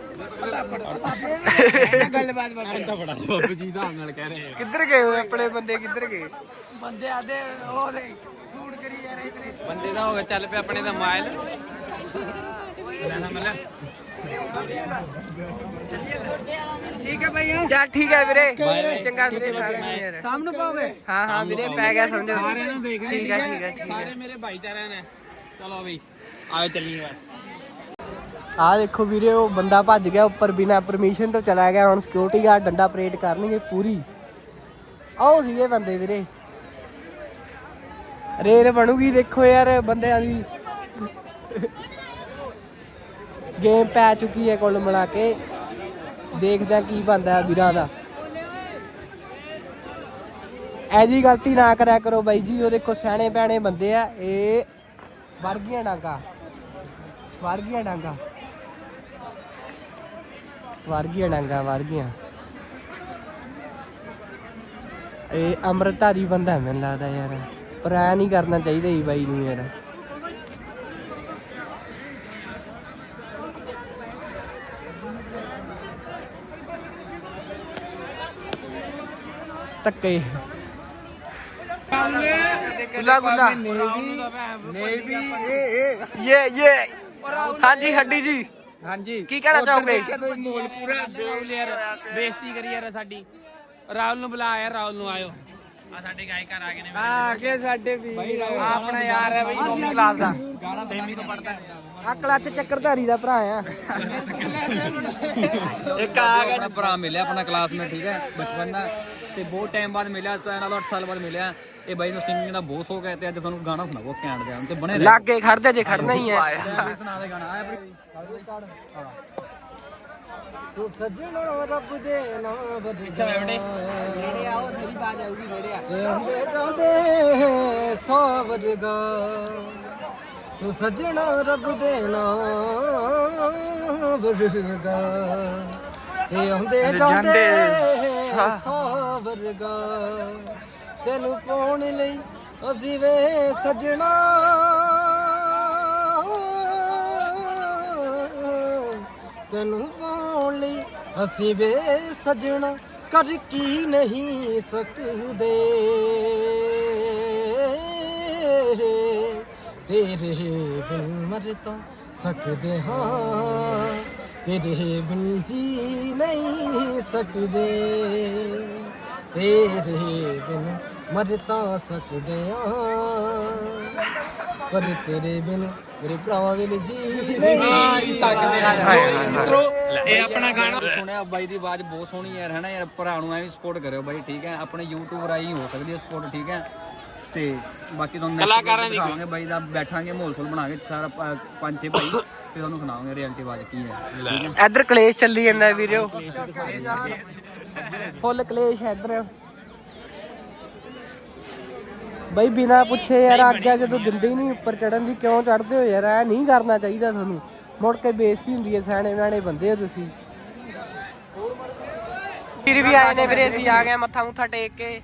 [SPEAKER 1] ਗੱਲਬਾਤ ਬਾਬੇ
[SPEAKER 3] ਤਾਂ ਬੜਾ ਬਾਬੂ ਜੀ ਹਿਸਾਬ ਨਾਲ ਕਹਿ ਰਹੇ
[SPEAKER 1] ਕਿੱਧਰ ਗਏ ਹੋ ਆਪਣੇ ਬੰਦੇ ਕਿੱਧਰ ਗਏ
[SPEAKER 5] ਬੰਦੇ ਆਦੇ ਉਹਦੇ ਸੂਟ ਕਰੀ ਜਾ ਰਹੇ ਨੇ
[SPEAKER 3] ਬੰਦੇ ਦਾ ਹੋ ਗਿਆ ਚੱਲ ਪਿਆ ਆਪਣੇ ਦਾ ਮਾਇਲ ਲੈਣਾ ਮਿਲਿਆ
[SPEAKER 5] ਠੀਕ ਹੈ ਭਾਈ
[SPEAKER 1] ਚੱਲ ਠੀਕ ਹੈ ਵੀਰੇ ਚੰਗਾ ਵੀਰੇ ਸਾਰੇ ਯਾਰ
[SPEAKER 5] ਸਾਹਮਣੇ ਪਾਓਗੇ
[SPEAKER 1] ਹਾਂ ਵੀਰੇ ਪੈ ਗਿਆ ਸਮਝੋ
[SPEAKER 3] ਸਾਰਿਆਂ ਨੂੰ ਦੇਖ
[SPEAKER 1] ਠੀਕ ਹੈ
[SPEAKER 3] ਸਾਰੇ ਮੇਰੇ ਭਾਈਚਾਰਿਆਂ ਨੇ ਚਲੋ ਬਈ ਆਓ ਚੱਲੀਏ ਬਸ
[SPEAKER 1] ਆਹ ਦੇਖੋ ਵੀਰੇ ਉਹ ਬੰਦਾ ਭੱਜ ਗਿਆ ਉੱਪਰ ਬਿਨਾ ਪਰਮਿਸ਼ਨ ਤੋਂ ਚਲਾ ਗਿਆ ਹੁਣ ਸਿਕਿਉਰਿਟੀ ਗਾਰਡ ਡੰਡਾ ਪਰੇਡ ਕਰਨਗੇ ਪੂਰੀ ਆਓ ਸੀਗੇ ਬੰਦੇ ਵੀਰੇ ਰੇਲ ਬਣੂਗੀ ਦੇਖੋ ਯਾਰ ਬੰਦਿਆਂ ਦੀ ਗੇਮ ਪੈ ਚੁੱਕੀ ਹੈ ਕੁੱਲ ਮਿਲਾ ਕੇ ਦੇਖਦੇ ਕੀ ਬਣਦਾ ਵੀਰਾਂ ਦਾ ਐਜੀ ਗਲਤੀ ਨਾ ਕਰਿਆ ਕਰੋ ਬਾਈ ਜੀ ਉਹ ਦੇਖੋ ਸਿਆਣੇ ਪਿਆਣੇ ਬੰਦੇ ਆ ਇਹ ਵਰਗੀਆਂ ਡਾਂਗਾ ਵਰਗੀਆਂ ਇਹ ਅੰਮ੍ਰਿਤਧਾਰੀ ਬੰਦਾ ਮੈਨੂੰ ਲੱਗਦਾ ਯਾਰ ਪਰ ਐ ਨਹੀਂ ਕਰਨਾ ਚਾਹੀਦਾ ਜੀ ਬਾਈ ਨੂੰ ਯਾਰ ਧੱਕੇ ਗੁੱਲਾ
[SPEAKER 4] ਨੇਵੀ
[SPEAKER 1] ਇਹ ਹਾਂਜੀ ਹੱਡੀ ਜੀ
[SPEAKER 3] ਹਾਂਜੀ
[SPEAKER 1] ਕੀ ਕਹਿਣਾ ਚਾਹੋਗੇ
[SPEAKER 4] ਮੋਲ ਪੂਰਾ
[SPEAKER 3] ਯਾਰ ਬੇਇੱਜ਼ਤੀ ਕਰੀ ਯਾਰ ਸਾਡੀ ਰਾਹੁਲ ਨੂੰ ਬੁਲਾ ਯਾਰ ਰਾਹੁਲ ਨੂੰ ਆਇਓ ਆ ਸਾਡੇ ਗਾਇਕਾਰ ਆ ਗਏ ਨੇ
[SPEAKER 4] ਆ ਕੇ ਸਾਡੇ ਵੀ
[SPEAKER 1] ਆਪਣਾ ਯਾਰ ਹੈ ਬਈ 9ਵੀਂ ਕਲਾਸ ਦਾ
[SPEAKER 3] ਸੇਮੀ ਤੋਂ ਪੜਦਾ
[SPEAKER 1] ਆ ਕਲੱਚ ਚੱਕਰਧਾਰੀ ਦਾ ਭਰਾ ਆ
[SPEAKER 2] ਇੱਕ ਆ ਗਿਆ ਭਰਾ ਮਿਲਿਆ ਆਪਣਾ ਕਲਾਸਮੇਟ ਠੀਕ ਹੈ ਬਚਪਨ ਦਾ ਤੇ ਬਹੁਤ ਟਾਈਮ ਬਾਅਦ ਮਿਲਿਆ ਤੋਂ ਇਹਨਾਂ 8 ਸਾਲ ਬਾਅਦ ਮਿਲਿਆ ਇਹ ਬਾਈ ਨੂੰ ਸਿੰਗਿੰਗ ਦਾ ਬਹੁਤ ਸ਼ੌਕ ਹੈ ਤੇ ਅੱਜ ਤੁਹਾਨੂੰ ਗਾਣਾ ਸੁਣਾਵੋ ਘੈਂਟ ਜਿਹਾ ਤੇ ਬਣੇ
[SPEAKER 1] ਲਾਗੇ ਖੜਦੇ ਜੇ ਖੜਨਾ ਹੀ ਹੈ
[SPEAKER 2] ਸੁਣਾ ਦੇ ਗਾਣਾ ਆਇਆ
[SPEAKER 5] ਤੂੰ ਸੱਜਣਾ ਰੱਬ ਦੇ ਨਾਮ
[SPEAKER 3] ਅੱਛਾ ਬੇਟੇ
[SPEAKER 5] ਨੇੜੇ ਆਓ ਮੇਰੀ ਬਾਤ ਆਊਗੀ ਨੇੜੇ ਆ ਹੁੰਦੇ ਜਾਂਦੇ ਸੋ ਵਰਗਾ ਤੂੰ ਸੱਜਣਾ ਰੱਬ ਦੇ ਨਾਮ ਵਰਗਾ ਇਹ ਹੁੰਦੇ ਜਾਂਦੇ ਸੋ ਵਰਗਾ ਤੈਨੂੰ ਪਾਉਣ ਲਈ ਅਸੀਂ ਵੇ ਸੱਜਣਾ ਤੈਨੂੰ ਪਾਉਣ ਲਈ ਅਸੀਂ ਵੇ ਸਜਣਾ ਕਰ ਕੀ ਨਹੀਂ ਸਕਦੇ ਤੇਰੇ ਬਿਨ ਮਰ ਤਾਂ ਸਕਦੇ ਹਾਂ ਤੇਰੇ ਬਿਨ ਜੀ ਨਹੀਂ ਸਕਦੇ ਤੇਰੇ ਬਿਨ ਮਰ ਤਾਂ ਸਕਦੇ ਹਾਂ ਪਰ ਤੇਰੇ ਬਿਨ ਮੇਰੇ ਭਰਾਵਾਂ ਬਿਨ ਜੀ ਨਹੀਂ ਸਕਦੇ।
[SPEAKER 3] ਇਹ ਆਪਣਾ ਗਾਣਾ
[SPEAKER 2] ਸੁਣਿਆ ਬਾਈ ਦੀ ਆਵਾਜ਼ ਬਹੁਤ ਸੋਹਣੀ ਯਾਰ, ਹੈਨਾ ਯਾਰ। ਭਰਾ ਨੂੰ ਐਵੇਂ ਸਪੋਰਟ ਕਰਿਓ ਬਾਈ, ਠੀਕ ਹੈ। ਆਪਣੇ YouTube ਰਾਹੀਂ ਹੋ ਸਕਦੀ ਹੈ ਸਪੋਰਟ, ਠੀਕ ਹੈ। ਤੇ ਬਾਕੀ ਤੁਹਾਨੂੰ
[SPEAKER 3] ਕਲਾਕਾਰਾਂ ਦੀ
[SPEAKER 2] ਦਿਖਾਵਾਂਗੇ ਬਾਈ ਦਾ, ਬੈਠਾਂਗੇ ਮਾਹੌਲ ਫੁੱਲ ਬਣਾ ਕੇ ਸਾਰਾ 5-6 ਭਾਈ, ਤੇ ਤੁਹਾਨੂੰ ਸੁਣਾਵਾਂਗੇ ਰਿਐਲਿਟੀ ਆਵਾਜ਼ ਕੀ ਹੈ।
[SPEAKER 1] ਇੱਧਰ ਕਲੇਸ਼ ਚੱਲੀ ਜਾਂਦਾ ਵੀਰੋ, ਫੁੱਲ ਕਲੇਸ਼ ਇੱਧਰ ਬਈ। ਬਿਨਾ ਪੁੱਛੇ ਯਾਰ ਆਗਿਆ ਜਦੋਂ ਦਿੰਦੇ ਹੀ ਨਹੀਂ ਉੱਪਰ ਚੜਨ ਦੀ, ਕਿਉਂ ਚੜਦੇ ਹੋ ਯਾਰ? ਐ ਨਹੀਂ ਕਰਨਾ ਚਾਹੀਦਾ ਤੁਹਾਨੂੰ, ਮੁੜ ਕੇ ਬੇਇੱਜ਼ਤੀ ਹੁੰਦੀ ਹੈ। ਸਿਆਣੇ ਬਿਆਣੇ ਬੰਦੇ ਹੋ ਤੁਸੀਂ। ਵੀਰ ਵੀ ਆਏ ਨੇ ਵੀਰੇ, ਅਸੀਂ ਆ ਗਏ ਮੱਥਾ ਮੁੱਥਾ ਟੇਕ ਕੇ।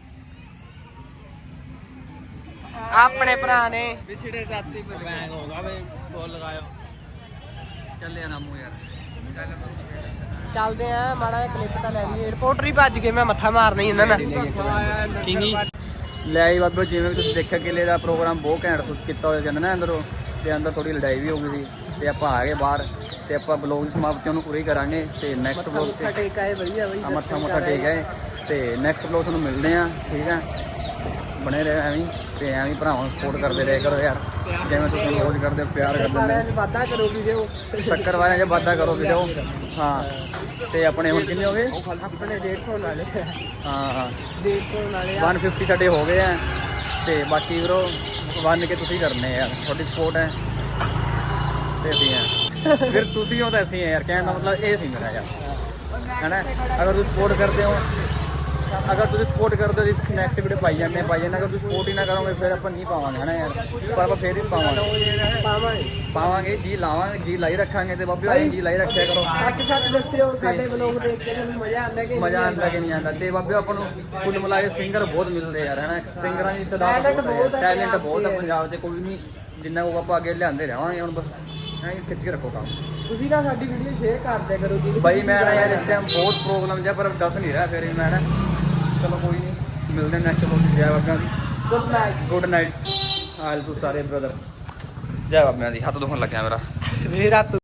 [SPEAKER 1] ਆਪਣੇ ਭਰਾ ਨੇ
[SPEAKER 3] ਵਿਛੜੇ ਸਾਥੀ ਪਰ ਬੈਂਗ ਹੋਗਾ ਵੇ, ਬੋਲ ਲਗਾਇਓ।
[SPEAKER 2] ਚੱਲੇ ਆ ਨਾਮੂ ਯਾਰ,
[SPEAKER 1] ਚੱਲਦੇ ਆ, ਮਾੜਾ ਜਿਹਾ ਕਲਿੱਪ ਤਾਂ ਲੈ ਲਈਏ। ਰਿਪੋਰਟਰ ਹੀ ਭੱਜ ਗਏ, ਮੈਂ ਮੱਥਾ ਮਾਰਨਾ ਹੀ ਇਹਨਾਂ ਨਾਲ।
[SPEAKER 3] ਕਿੰਗੀ
[SPEAKER 2] ਲੈ ਆਈ ਬਾਬੇ। ਜਿਵੇਂ ਵੀ ਤੁਸੀਂ ਦੇਖਿਆ ਕਿਲੇ ਦਾ ਪ੍ਰੋਗਰਾਮ ਬਹੁਤ ਘੈਂਟ ਸ਼ੂਟ ਕੀਤਾ ਹੋਇਆ ਜਾਂਦਾ ਨਾ ਅੰਦਰੋਂ, ਤੇ ਅੰਦਰ ਥੋੜੀ ਲੜਾਈ ਵੀ ਹੋ ਗਈ ਸੀ, ਤੇ ਆਪਾਂ ਆ ਗਏ ਬਾਹਰ, ਤੇ ਆਪਾਂ ਬਲੌਗ ਦੀ ਸਮਾਪਤੀ ਉਹਨੂੰ ਪੂਰੀ ਕਰਾਂਗੇ। ਤੇ ਨੈਕਸਟ ਬਲੌਗ ਤੇ
[SPEAKER 1] ਟੇਕ ਆਏ ਵਧੀਆ ਬਈ,
[SPEAKER 2] ਮੱਥਾ ਟੇਕ ਆਏ, ਤੇ ਨੈਕਸਟ ਬਲੌਗ ਤੁਹਾਨੂੰ ਮਿਲਦੇ ਆ, ਠੀਕ ਹੈ। ਬਣੇ ਰਹੇ ਐਵੇਂ, ਤੇ ਐਵੇਂ ਭਰਾਵਾਂ ਨੂੰ ਸਪੋਰਟ ਕਰਦੇ ਰਹੇ ਕਰੋ ਯਾਰ, ਜਿਵੇਂ ਤੁਸੀਂ ਰੋਜ਼ ਕਰਦੇ ਹੋ, ਪਿਆਰ ਕਰਦੇ
[SPEAKER 1] ਵਾਦਾ ਕਰੋ ਵੀਡੀਓ,
[SPEAKER 2] ਸ਼ੱਕਰ ਵਾਲਿਆਂ 'ਚ ਵਾਧਾ ਕਰੋ ਵੀਡੀਓ। ਹਾਂ, ਤੇ ਆਪਣੇ ਹੁਣ ਕਿੰਨੇ ਹੋ ਗਏ?
[SPEAKER 1] ਆਪਣੇ 150 ਨਾਲੇ,
[SPEAKER 2] ਹਾਂ
[SPEAKER 1] 150 ਨਾਲੇ
[SPEAKER 2] 150 ਸਾਡੇ ਹੋ ਗਏ ਆ, ਤੇ ਬਾਕੀ ਵੀਰੋ 1 ਕੇ ਤੁਸੀਂ ਕਰਨੇ ਯਾਰ, ਤੁਹਾਡੀ ਸਪੋਰਟ ਹੈ ਤੇ ਅਸੀਂ ਆ। ਫਿਰ ਤੁਸੀਂ ਹੋ ਤਾਂ ਅਸੀਂ ਆ ਯਾਰ, ਕਹਿਣ ਦਾ ਮਤਲਬ ਇਹ ਸੀ ਮੇਰਾ ਯਾਰ, ਹੈ ਨਾ। ਅਗਰ ਤੁਸੀਂ ਸਪੋਰਟ ਕਰਦੇ ਹੋ, ਜੀ ਨੈਕਸਟ ਵੀਡੀਓ ਪਾਈ ਜਾਂਦੇ। ਅਗਰ ਤੁਸੀਂ ਸਪੋਰਟ ਹੀ ਨਾ ਕਰੋਗੇ ਫਿਰ ਆਪਾਂ ਨਹੀਂ ਪਾਵਾਂਗੇ, ਹੈ ਨਾ ਯਾਰ। ਪਰ ਆਪਾਂ ਫੇਰ ਵੀ ਪਾਵਾਂਗੇ ਜੀ ਲਾਵਾਂਗੇ, ਜੀ ਲਾਈ ਰੱਖਾਂਗੇ। ਤੇ ਬਾਬੇ ਆਈ ਜੀ ਲਾਈ ਰੱਖਿਆ ਕਰੋ।
[SPEAKER 1] ਇੱਕ ਸੱਚ ਦੱਸਿਓ, ਸਾਡੇ ਵਲੋਗ ਦੇਖ ਕੇ ਤੁਹਾਨੂੰ ਮਜ਼ਾ ਆਉਂਦਾ ਕਿ
[SPEAKER 2] ਮਜ਼ਾ ਆਉਂਦਾ ਕਿ ਨਹੀਂ ਆਉਂਦਾ? ਤੇ ਬਾਬੇ ਆਪਾਂ ਨੂੰ ਕੁੱਲ ਮਿਲਾ ਕੇ ਸਿੰਗਰ ਬਹੁਤ ਮਿਲਦੇ ਯਾਰ, ਹੈ ਨਾ। ਸਿੰਗਰਾਂ ਦੀ ਤਾਦਾਦ ਬਹੁਤ ਹੈ, ਟੈਲੈਂਟ ਬਹੁਤ ਹੈ ਪੰਜਾਬ 'ਚ। ਕੋਈ ਨਹੀਂ, ਜਿੰਨਾ ਕੋ ਆਪਾਂ ਅੱਗੇ ਲਿਆਂਦੇ ਰਹਾਂਗੇ। ਹੁਣ ਬਸ ਐਂ ਖਿੱਚ ਕੇ ਰੱਖੋ ਕੰਮ।
[SPEAKER 1] ਤੁਸੀਂ ਨਾ ਸਾਡੀ ਵੀਡੀਓ ਸ਼ੇਅਰ ਕਰ ਦਿਆ ਕਰੋ ਜੀ।
[SPEAKER 2] ਬਾਈ ਮੈਂ ਨਾ ਯਾਰ ਇਸ ਟਾਈਮ ਬਹੁਤ ਪ੍ਰੋਬਲਮ ਜਿਹਾ, ਪਰ ਦੱਸ ਨਹੀਂ ਰਿਹਾ ਫਿਰ ਵੀ ਮੈਂ ਨਾ। ਚਲੋ ਕੋਈ ਨਹੀਂ, ਮਿਲਦੇ ਨੈਕਸਟ ਬਲੌਗ 'ਚ। ਜੈ ਬਾਬਿਆਂ ਦੀ, ਗੁੱਡ ਨਾਈਟ ਆਲ ਟੂ ਸਾਰੇ ਬ੍ਰਦਰ। ਜੈ ਬਾਬਿਆਂ ਦੀ। ਹੱਥ ਦੁਖਣ ਲੱਗਿਆ ਮੇਰਾ।